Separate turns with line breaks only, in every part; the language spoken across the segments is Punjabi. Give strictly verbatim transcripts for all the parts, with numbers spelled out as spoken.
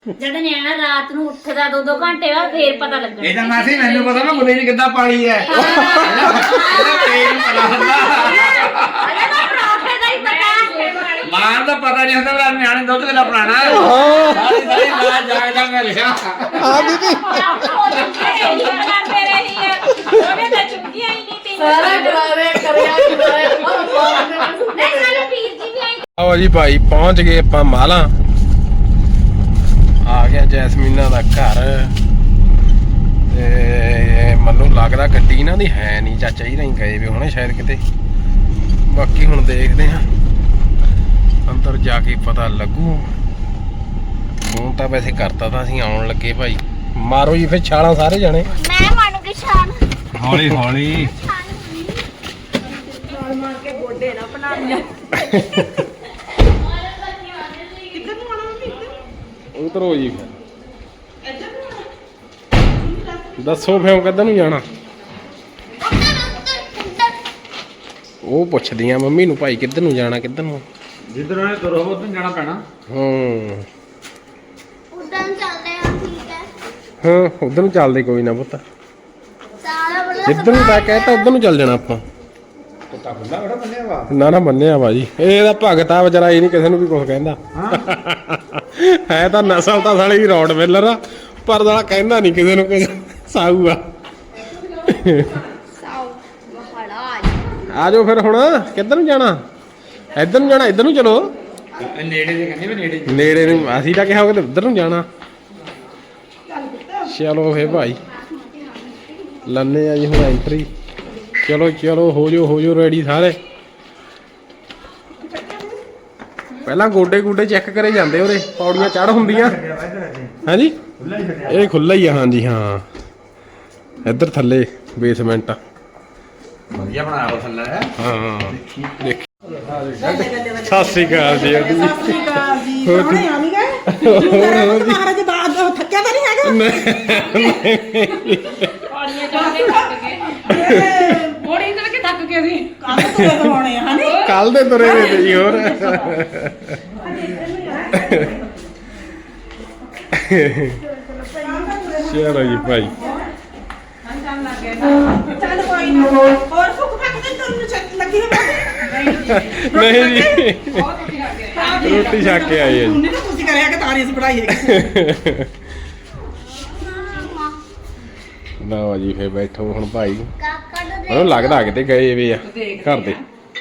ਜਦ ਨਿਆਣਾ ਰਾਤ ਨੂੰ ਉੱਠਦਾ ਦੋ ਦੋ ਘੰਟੇ ਬਾਅਦ ਫੇਰ ਪਤਾ ਲੱਗਣਾ।
ਇਹ ਤਾਂ ਮਾਸੀ ਮੈਨੂੰ ਪਤਾ ਨਾ ਮੁੰਡੇ ਨੇ ਕਿੱਦਾਂ ਪਾਲੀ ਹੈ। ਇਹਦਾ ਪੇਟ ਪਤਾ ਹੁੰਦਾ।
ਅਰੇ ਤਾਂ ਪਰੌਂਠੇ ਦਾ ਹੀ ਪਤਾ।
ਮਾਂ ਦਾ ਪਤਾ ਨਹੀਂ ਹੁੰਦਾ ਵੀ ਨਿਆਣੇ ਦੁੱਧ ਕਿੰਨਾ ਪਿਲਾਣਾ ਹੈ। ਸਾਰੀ ਸਾਰੀ ਰਾਤ ਜਾਗਦਾ ਮੈਂ ਰਿਹਾ।
ਹਾਂ ਬੀਬੀ
ਕਰਦੇ ਰਹੀ ਹੈ ਉਹਨੇ ਤਾਂ ਚੁੱਕੀਆਂ ਹੀ ਨਹੀਂ ਤੀ
ਸਾਰਾ ਡਰਾਵੇ ਕਰਿਆ ਕਰਾਇਆ
ਨਹੀਂ ਸਾਨੂੰ ਵੀਰ ਜੀ ਵੀ ਆਈ।
ਆਓ ਜੀ ਭਾਈ ਪਹੁੰਚ ਗਏ ਆਪਾਂ ਮਾਲਾ। ਆ ਗਿਆ ਜੈਸਮੀਨਾ ਦਾ ਘਰ ਤੇ ਮੈਨੂੰ ਲੱਗਦਾ ਗੱਡੀ ਇਹਨਾਂ ਦੀ ਹੈ ਨਹੀਂ, ਚਾਚਾ ਜੀ ਨਹੀਂ ਗਏ ਵੀ ਹੁਣੇ ਸ਼ਾਇਦ ਕਿਤੇ। ਬਾਕੀ ਹੁਣ ਦੇਖਦੇ ਹਾਂ ਅੰਦਰ ਜਾ ਕੇ ਪਤਾ ਲੱਗੂ। ਫੋਨ ਤਾਂ ਵੈਸੇ ਕਰਤਾ ਤਾਂ ਅਸੀਂ ਆਉਣ ਲੱਗੇ ਭਾਈ। ਮਾਰੋ ਜੀ ਫਿਰ ਛਾਲਾਂ ਸਾਰੇ ਜਾਣੇ।
ਮੈਂ ਮੰਨੂਗੀ ਸ਼ਾਨ
ਹੌਲੀ ਹੌਲੀ
ਛਾਲ ਮਾਰ ਕੇ ਗੋਡੇ ਨਾ ਬਣਾ ਲਿਆ। ਕਿੱਧਰ ਨੂੰ ਆਣਾ ਮੰਮੀ?
ਉਤਰੋ ਜੀ ਫਿਰ ਦੱਸੋ ਫਿਰ ਕਿੱਧਰ ਨੂੰ ਜਾਣਾ। ਉਹ ਪੁੱਛਦੀਆਂ ਮੰਮੀ ਨੂੰ ਭਾਈ ਕਿੱਧਰ ਨੂੰ ਜਾਣਾ ਕਿੱਧਰ ਨੂੰ।
ਜਿੱਧਰ ਉਹਨੇ ਤੁਰੋ ਉਧਰ ਜਾਣਾ ਪੈਣਾ।
ਹਾਂ
ਉਦਾਂ ਚੱਲਦੇ ਆ ਠੀਕ ਹੈ।
ਹਾਂ ਉਧਰ ਨੂੰ ਚੱਲਦੇ ਕੋਈ ਨਾ ਪੁੱਤ।
ਸਾਰਾ ਬੜਾ
ਜਿੱਧਰ ਨੂੰ ਤਾਂ ਕਹਿਤਾ ਉਧਰ ਨੂੰ ਚੱਲ ਜਾਣਾ ਆਪਾਂ।
ਕੁੱਤਾ ਖੁੱਲਾ ਬੜਾ ਬੰਨਿਆ ਵਾ।
ਨਾ ਨਾ ਮੰਨਿਆ ਵਾ ਜੀ ਇਹਦਾ ਭਗਤ ਆ ਵਿਚਾਰਾ, ਇਹ ਨਹੀਂ ਕਿਸੇ ਨੂੰ ਵੀ ਕੁਝ ਕਹਿੰਦਾ। ਹੈ ਤਾਂ ਨਸਲ ਤਾਂ ਸਾਲੀ ਰੌਡ ਵੇਲਰ ਆ ਪਰ ਸਾਲਾ ਕਹਿੰਦਾ ਨਹੀਂ ਕਿਸੇ ਨੂੰ ਕੁਝ। ਸਾਊ ਆ।
ਸਾਉ ਮਹੜਾ
ਆ ਜਾਓ ਫਿਰ ਹੁਣ ਕਿੱਧਰ ਨੂੰ ਜਾਣਾ। ਇੱਧਰ ਨੂੰ ਜਾਣਾ ਇੱਧਰ ਨੂੰ ਚਲੋ।
ਨੇੜੇ ਦੇ ਕਹਿੰਦੇ ਵੀ ਨੇੜੇ।
ਨੇੜੇ ਨੂੰ ਅਸੀਂ ਤਾਂ ਕਿਹਾ ਹੋਵੇ ਤੇ ਉੱਧਰ ਨੂੰ ਜਾਣਾ। ਚਲੋ ਫੇ ਭਾਈ ਲੰਨੇ ਆ ਜੀ ਹੁਣ ਐਂਟਰੀ। ਚਲੋ ਚਲੋ ਹੋ ਜਾਓ ਹੋ ਜਾਓ ਰੈਡੀ ਸਾਰੇ। ਪਹਿਲਾਂ ਗੋਡੇ ਗੋਡੇ ਚੈੱਕ ਕਰੇ ਜਾਂਦੇ ਉਹਦੇ ਪੌੜੀਆਂ ਚੜ ਹੁੰਦੀਆਂ। ਹਾਂਜੀ ਇਹ ਖੁੱਲਾ ਹੀ ਆ। ਹਾਂਜੀ ਹਾਂ ਇੱਧਰ ਥੱਲੇ ਬੇਸਮੈਂਟ।
ਵਧੀਆ ਬਣਾਇਆ ਥੱਲੇ ਹੈ।
ਹਾਂ ਦੇਖ ਸਤਿ ਸ੍ਰੀ ਅਕਾਲ ਜੀ।
ਸਤਿ ਸ਼੍ਰੀ ਅਕਾਲ ਜੀ। ਕੌਣੇ ਆ ਨਹੀਂ ਗਏ? ਮਹਾਰਾਜ ਬਾਦ ਥੱਕਿਆ ਤਾਂ ਨਹੀਂ ਹੈਗਾ?
ਪੌੜੀਆਂ ਚੜ੍ਹ ਕੇ ਥੱਕ ਗਏ। ਪੌੜੀ ਚੜ੍ਹ ਕੇ ਥੱਕ ਗਏ ਸੀ।
ਕੱਲ ਤੋਂ ਹੋਣੇ ਆ ਹਨੀ।
ਕੱਲ ਦੇ ਤੁਰੇ ਵੇ ਤੇ ਜੀ ਹੋਰ। ਚਲੋ ਜੀ ਭਾਈ
ਚੱਲ ਕੋਈ ਨਾ। ਹੋਰ ਭੁੱਖ ਫੱਕ ਤੇ ਤੁਹਾਨੂੰ ਚੱਕ ਲੱਗੀ ਹੋਵੇ।
ਨਹੀਂ ਜੀ ਰੋਟੀ ਛਕ ਕੇ ਆਏ ਆ ਜੀ।
ਨਹੀਂ ਤਾਂ ਤੁਸੀਂ ਕਰਿਆ ਕਿ ਤਾਰੀਸ ਪੜਾਈ ਹੈਗੀ।
ਲਓ ਜੀ ਫੇਰ ਬੈਠੋ ਹੁਣ ਭਾਈ।
ਕਾਕਾ ਨੂੰ
ਮੈਨੂੰ ਲੱਗਦਾ ਕਿਤੇ ਗਏ ਵੇ ਆ ਘਰ ਦੇ।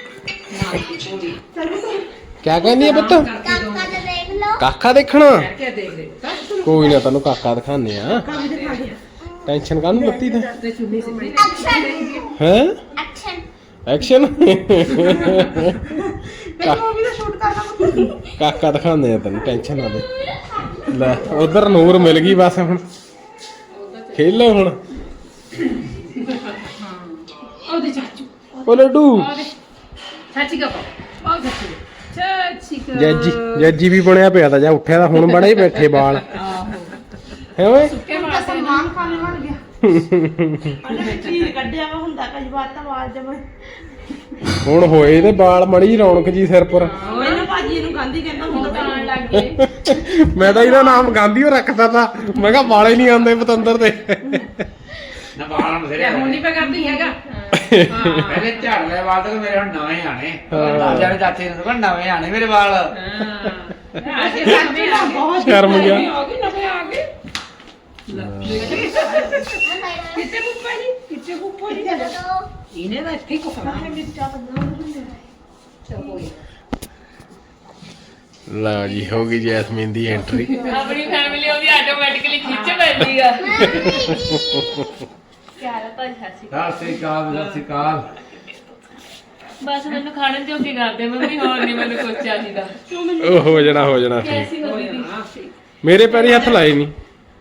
ਕਿਆ ਕਹਿੰਦੀ ਆ ਪੁੱਤ?
ਕਾਕਾ ਨੂੰ ਦੇਖ ਲਓ।
ਕਾਕਾ ਦੇਖਣਾ। ਕੋਈ ਨਾ ਤੈਨੂੰ ਕਾਕਾ ਦਿਖਾਣੇ ਆ। ਟੈਨਸ਼ਨ ਕਾਹਨੂੰ ਲੱਤੀ ਤੇ
ਐਕਸ਼ਨ
ਹੈ
ਐਕਸ਼ਨ
ਐਕਸ਼ਨ।
ਮੂਵੀ ਦਾ ਸ਼ੂਟ ਕਰਨਾ।
ਕਾਕਾ ਦਿਖਾਉਂਦੇ ਆ ਤੈਨੂੰ ਟੈਨਸ਼ਨ ਨਾ ਦੇ। ਲੈ ਉਧਰ ਨੂਰ ਮਿਲ ਗਈ ਬਸ ਹੁਣ ਖੇਲੋ ਹੁਣ।
ਉਹਦੇ ਚਾਚੂ
ਉਹ ਲੱਡੂ
ਚਾਚੀ ਕਾ ਉਹ ਚਾਚੀ ਚਾਚੀ ਕਾ
ਜੱਜੀ ਜੱਜੀ ਵੀ ਬਣਿਆ ਪਿਆ ਤਾਂ ਜਾਂ ਉੱਠਿਆ ਤਾਂ ਹੁਣ ਬੜੇ ਬੈਠੇ ਬਾਲ ਹੈ ਓਏ।
ਕੇ ਮਾਰਦੇ
ਸਲਮਾਨ ਖਾਨ ਬਣ ਗਿਆ। ਉਹਨੇ ਚੀਜ਼ ਕੱਢਿਆ ਵਾ ਹੁੰਦਾ ਕਈ ਵਾਰ ਤਾਂ ਆਵਾਜ਼ ਜਮ।
ਹੁਣ ਹੋਏ ਤੇ ਬਾਲ ਮੜੀ ਰੌਣਕ ਜੀ ਸਿਰ ਪਰ।
ਮੈਨੂੰ ਭਾਜੀ ਇਹਨੂੰ ਗਾਂਧੀ ਕਹਿੰਦਾ ਹੁੰਦਾ।
ਆਣ ਲੱਗ ਗਏ।
ਮੈਂ ਤਾਂ ਇਹਦਾ ਨਾਮ ਗਾਂਧੀ ਓ ਰੱਖਦਾ ਤਾ। ਮੈਂ ਕਿਹਾ ਵਾਲੇ ਨਹੀਂ ਆਉਂਦੇ ਪਤੰਦਰ ਦੇ।
ਨਾ ਬਾਲਾਂ ਨੂੰ
ਤੇ ਹੁਣ ਨਹੀਂ ਪਾ ਕਰਦੀ ਹੈਗਾ।
ਪਹਿਲੇ ਝੜ ਲੈ ਵਾਲ ਤਾਂ ਮੇਰੇ ਹੁਣ ਨਵੇਂ ਆਣੇ। ਦਾਦਿਆਂ ਨੇ ਚਾਚੇ ਨੂੰ ਤਾਂ ਨਵੇਂ ਆਣੇ ਮੇਰੇ ਵਾਲ।
ਹਾਂ ਅਸੀਂ ਸਾਹਮਣੇ ਆ ਗਏ।
ਬਹੁਤ
ਸ਼ਰਮ ਗਿਆ।
ਆ ਗਏ ਨਵੇਂ ਆ ਗਏ। ਕਿੱਥੇ ਪੁੱਪਾ ਜੀ ਕਿੱਥੇ ਪੁੱਪਾ ਜੀ ਇਹਨੇ ਦਾ ਇੱਥੇ ਕੋਸਾ
ਲਓ ਜੀ ਹੋ ਗਈ ਜੈਸਮੀਨ ਦੀ ਐਂਟਰੀ।
ਆਪਣੀ ਫੈਮਿਲੀ ਉਹਦੀ ਆਟੋਮੈਟਿਕਲੀ ਖਿੱਚ ਪੈਂਦੀ ਆ।
ਪਿਆਰਾ ਭਾਈ ਹਾਸੀ
ਸਤਿ ਸ੍ਰੀ ਅਕਾਲ ਸਤਿ ਸ੍ਰੀ ਅਕਾਲ।
ਬਸ ਮੈਨੂੰ ਖਾਣੇ ਤੇ ਕੀ ਕਰਦੇ ਮੰਮੀ ਹੋਰ ਨਹੀਂ ਮੈਨੂੰ ਕੁਝ ਚਾਹੀਦਾ।
ਉਹ ਹੋ ਜਾਣਾ ਹੋ ਜਾਣਾ।
ਕੈਸੀ ਹੋ ਦੀਦੀ
ਮੇਰੇ ਪੈਰੀ ਹੱਥ ਲਾਏ ਨਹੀਂ।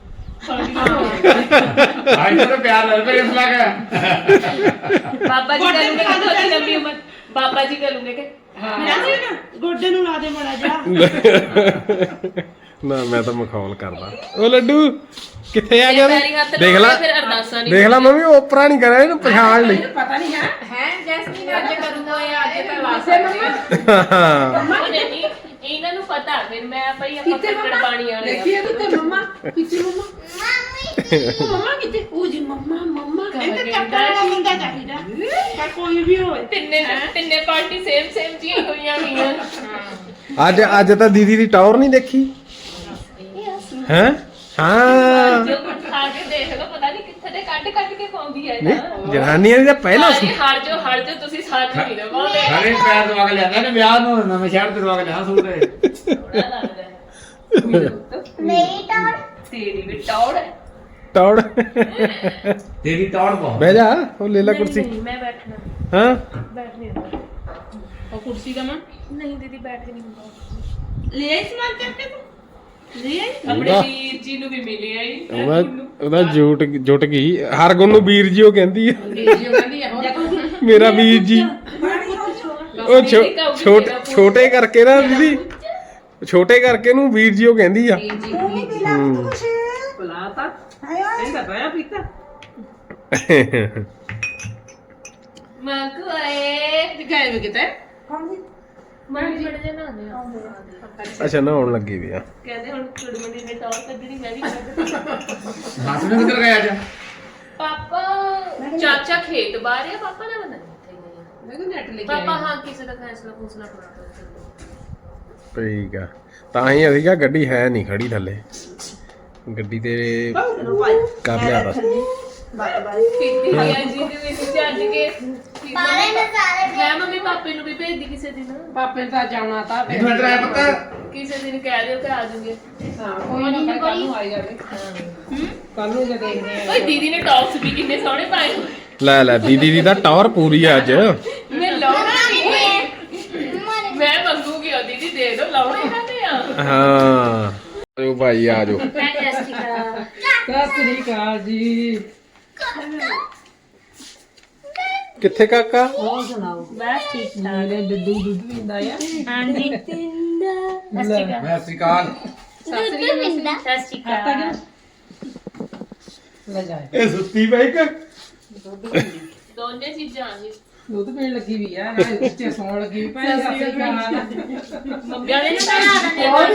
ਆਈ ਤੇਰੇ ਪਿਆਰ ਨਾਲ ਪੇ ਇਸ ਲੱਗ।
ਬਾਬਾ ਜੀ ਕਰੂੰਗੇ ਕਿ ਤੁਹਾਡੀ ਲੰਬੀ ਉਮਰ ਬਾਬਾ ਜੀ ਕਰੂੰਗੇ ਕਿ
ਨਾ ਗੋਡੇ ਨੂੰ ਲਾ ਦੇ ਮੜਾ ਜਾ।
ਨਾ ਮੈਂ ਤਾਂ ਮਖੌਲ ਕਰਦਾ। ਉਹ ਲੱਡੂ ਕਿੱਥੇ ਆ ਗਿਆ ਤੂੰ?
ਪੈਰੀ ਹੱਥ
ਦੇਖ ਲੈ
ਫਿਰ ਅਰਦਾਸਾਂ ਨਹੀਂ
ਦੇਖ ਲੈ ਮੰਮੀ ਓਪਰਾ ਨਹੀਂ ਕਰਿਆ ਇਹਨੂੰ ਪਛਾਣ ਲਈ।
ਪਤਾ ਨਹੀਂ ਹੈ ਹੈ ਜੈਸਮੀਨ ਅੱਜ ਕਰੂੰਗਾ ਇਹ ਅੱਜ ਤਾਂ ਵਾਸੇ ਮੰਮਾ
ਹਾਂ
ਨਹੀਂ ਇਹਨਾਂ ਨੂੰ
ਪਤਾ ਫਿਰ ਮੈਂ ਭਾਈ ਆਪਾਂ
ਕਿੱਥੇ
ਕੱਟੜ
ਮੰਮਾ
ਪਾਣੀ ਵਾਲੇ ਆ।
ਦੇਖੀਏ ਕਿੱਥੇ ਮੰਮਾ ਕਿੱਥੇ ਮੰਮਾ ਉਹ ਮੰਮਾ ਕਿੱਥੇ ਉਹ ਜੀ ਮੰਮਾ ਮੰਮਾ
ਇਹਦੇ ਚੱਕਰ ਵਾਲਾ ਮੁੰਡਾ ਚਾਹੀਦਾ ਪਰ ਕੋਈ ਵੀ ਹੋਵੇ
ਤਿੰਨੇ ਤਿੰਨੇ ਪਾਰਟੀ ਸੇਮ ਸੇਮ ਜੀ ਹੋਈਆਂ ਗਈਆਂ।
ਅੱਜ ਅੱਜ ਤਾਂ ਦੀਦੀ ਦੀ ਟਾਵਰ ਨਹੀਂ ਦੇਖੀ ਹੈ ਹਾਂ
ਜੋ ਕੁਝ ਖਾ ਕੇ ਦੇਖ ਲਓ ਪਤਾ ਨਹੀਂ ਕਿੱਥੇ ਦੇ ਕੱਢ ਕੱਢ ਕੇ ਪਾਉਂਦੀ ਹੈ
ਨਹੀਂ ਜਨਾਨੀਆਂ ਦੀ ਤਾਂ ਪਹਿਲਾਂ
ਸਾਰੀ ਹੜ ਜੋ ਹੜ ਜੋ ਤੁਸੀਂ ਸਾਥ ਨਹੀਂ ਲਵਾਉਂਦੇ
ਸਾਰੇ ਪੈਰ ਦਵਾ ਕੇ ਲਿਆਂਦਾ ਨੇ ਵਿਆਹ ਨੂੰ ਨਵੇਂ ਸ਼ਹਿਰ ਤੇ ਦਵਾ ਕੇ ਲਿਆ ਸੂਟ ਇਹ।
ਸੋਹਣਾ ਲੱਗਦਾ ਹੈ।
ਮੇਰੀ ਟੌਰ
ਤੇਰੀ ਵੀ ਟੌੜ ਹੈ।
ਟਾਵਰ
ਤੇਰੀ ਟੌੜ ਬਹੁਤ
ਬਹਿ ਜਾ ਉਹ ਲੈ ਲੈ
ਨਹੀਂ,
ਕੁਰਸੀ
ਨਹੀਂ, ਮੈਂ ਬੈਠਣਾ
ਹਾਂ
ਬੈਠ ਨਹੀਂ ਹੁੰਦਾ।
ਉਹ ਕੁਰਸੀ ਦਾ ਮਾਂ
ਨਹੀਂ ਦੀਦੀ ਬੈਠ ਕੇ ਨਹੀਂ ਹੁੰਦਾ।
ਲੈ ਆਈ ਸਮਾਨ ਚੱਕ ਕੇ ਤੂੰ ਲੈ ਆਈ
ਆਪਣੇ ਵੀਰ ਜੀ ਨੂੰ ਵੀ ਮਿਲੇ ਆਈ
ਉਹਦਾ ਉਹਦਾ ਜੁਟ ਜੁਟ ਗਈ ਹਰ ਗੁਣ ਨੂੰ ਵੀਰ ਜੀ ਉਹ ਕਹਿੰਦੀ ਆ
ਅੰਗਰੇਜ਼ੀ ਕਹਿੰਦੀ ਆ ਹੁਣ
ਮੇਰਾ ਵੀਰ ਜੀ ਉਹ ਛੋ- ਛੋਟੇ ਛੋਟੇ ਕਰਕੇ ਨਾ ਦੀਦੀ ਛੋਟੇ ਕਰਕੇ ਨੂੰ ਵੀਰ ਜੀ ਉਹ ਕਹਿੰਦੀ ਆ
ਜੀ ਜੀ
ਤੂੰ ਵੀ ਪੀ ਲੈ ਤੂੰ ਕੁਛ
ਬੁਲਾਤਾ
ਹਾਏ ਓਏ
ਇਹਦਾ ਬਾਇਆ ਪੀਤਾ
ਮੈਂ ਕੋਏ
ਦਿਖਾਏ ਵੀ ਕਿਤੇ
ਕੌਣ ਜੀ
ਮੈਂ ਵੀ ਬੜੇ ਜਨ ਆਉਂਦੇ ਆ
ਅੱਛਾ ਨਹਾਉਣ ਲੱਗੀ ਵੀ ਆ
ਕਹਿੰਦੇ ਹੁਣ ਕੁੜੀ ਮੁੰਡੀ ਨੇ ਟੌਰ ਕੱਢਣੀ ਮੈਂ ਵੀ ਕੱਢ
ਹੱਥ ਨੂੰ ਕਿੱਧਰ ਗਿਆ ਅੱਜ
ਪਾਪਾ ਚਾਚਾ ਖੇਤ ਬਾਹਰ ਆ ਪਾਪਾ ਨਾ ਬੰਦਾ ਇੱਥੇ ਹੀ ਆ।
ਮੈਂ ਕਿਹਾ ਨੈਟ ਲੈ ਕੇ
ਪਾਪਾ
ਆਈ
ਹਾਂ ਕਿਸੇ ਦਾ ਫੈਸਲਾ ਫੂਸਲਾ ਕਰਾ
ਠੀਕ ਆ ਤਾਂ ਹੀ ਅਸੀਂ ਕਿਹਾ ਗੱਡੀ ਹੈ ਨਹੀਂ ਖੜੀ ਥੱਲੇ ਗੱਡੀ ਤੇ ਕਰ ਲਿਆ ਬਸ
ਬਾਏ ਬਾਏ
ਕੀਤੀ ਹੈ ਜੀ ਦੇ ਵਿੱਚ ਚੱਜ ਕੇ
ਸਾਰੇ ਨੇ ਸਾਰੇ
ਮੈਂ ਮੰਮੀ ਪਾਪੇ ਨੂੰ ਵੀ ਭੇਜਦੀ ਕਿਸੇ ਦਿਨ
ਪਾਪੇ ਨੇ ਤਾਂ ਜਾਣਾ ਤਾਂ ਫਿਰ
ਮੈਨੂੰ ਇੱਧਰ ਆਇਆ ਪੁੱਤ
ਕਿਸੇ ਦਿਨ ਕਹਿ ਦਿਓ ਕਿ ਆ ਜਾਊਗੇ
ਹਾਂ ਕੋਈ ਨਾ ਕੱਲ ਨੂੰ ਆਈ ਜਾਵੇ ਕੱਲ ਨੂੰ ਜੇ ਦੇਖਦੇ ਆ
ਓਏ ਦੀਦੀ ਨੇ ਟੌਪਸ ਵੀ ਕਿੰਨੇ ਸੋਹਣੇ ਪਾਏ ਹੋਏ।
ਲੈ ਲੈ ਦੀਦੀ ਦੀ ਤਾਂ ਟਾਵਰ ਪੂਰੀ ਆ ਅੱਜ
ਮੈਂ ਲਾਉਣਾ ਨਹੀਂ ਮੈਂ ਮੰਗੂਗੀ ਉਹ ਦੀਦੀ ਦੇ ਦੋ ਲਾਉਣੇ ਕਾਹਦੇ ਆ
ਹਾਂ ਆਜੋ ਭਾਈ ਆਜੋ
ਸਤਿ ਸ੍ਰੀ ਅਕਾਲ ਜੀ
ਕਿੱਥੇ ਕਾਕਾ
ਹੋਰ ਸੁਣਾਓ ਬਸ ਠੀਕ ਠਾਕ ਮੇਰੇ ਦੁੱਧੂ ਦੁੱਧ ਪੀਂਦਾ ਆ
ਹਾਂਜੀ
ਮੈਂ ਸ੍ਰੀਕਾਲ
ਦੁੱਧ ਪਿੰਦਾ
ਲੈ ਜਾ
ਇਹ ਸੁੱਤੀ ਪਈ ਕਿ
ਦੋਨੇ ਚੀਜ਼ਾਂ ਆ ਜੀ
ਦੁੱਧ ਪੀਣ ਲੱਗੀ ਵੀ ਆ ਨਾ ਉੱਚੇ ਸੌਣ ਲੱਗੀ ਵੀ ਭਾਈ ਸਤਿ ਸ੍ਰੀ ਅਕਾਲ
ਮੰਮੀ ਵਾਲੇ ਨੂੰ ਬਣਾ ਦਿੰਦੇ ਹੋਰ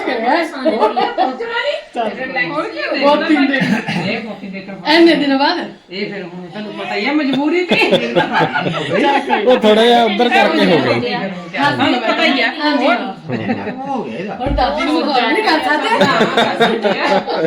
ਹੋਰ ਕੀ ਹੋਇਆ ਬਹੁਤ ਪੀਂਦੇ ਇਹ ਕਾਫੀ ਦੇ ਕੇ ਐਨੇ ਦਿਨ ਬਾਅਦ ਇਹ ਫਿਰ ਹੁਣ ਤੁਹਾਨੂੰ ਪਤਾ ਹੀ ਆ ਮਜਬੂਰੀ ਤੇ
ਉਹ ਥੋੜਾ ਜਿਹਾ ਉੱਧਰ ਕਰਕੇ ਹੋ ਗਈ
ਤੁਹਾਨੂੰ ਪਤਾ ਹੀ ਆ ਹੋਰ
ਹੋ ਗਿਆ ਇਹਦਾ
ਹੁਣ ਦਾਦੀ ਨੂੰ ਹੋਰ ਨਹੀਂ ਕਰ ਸਕਦੇ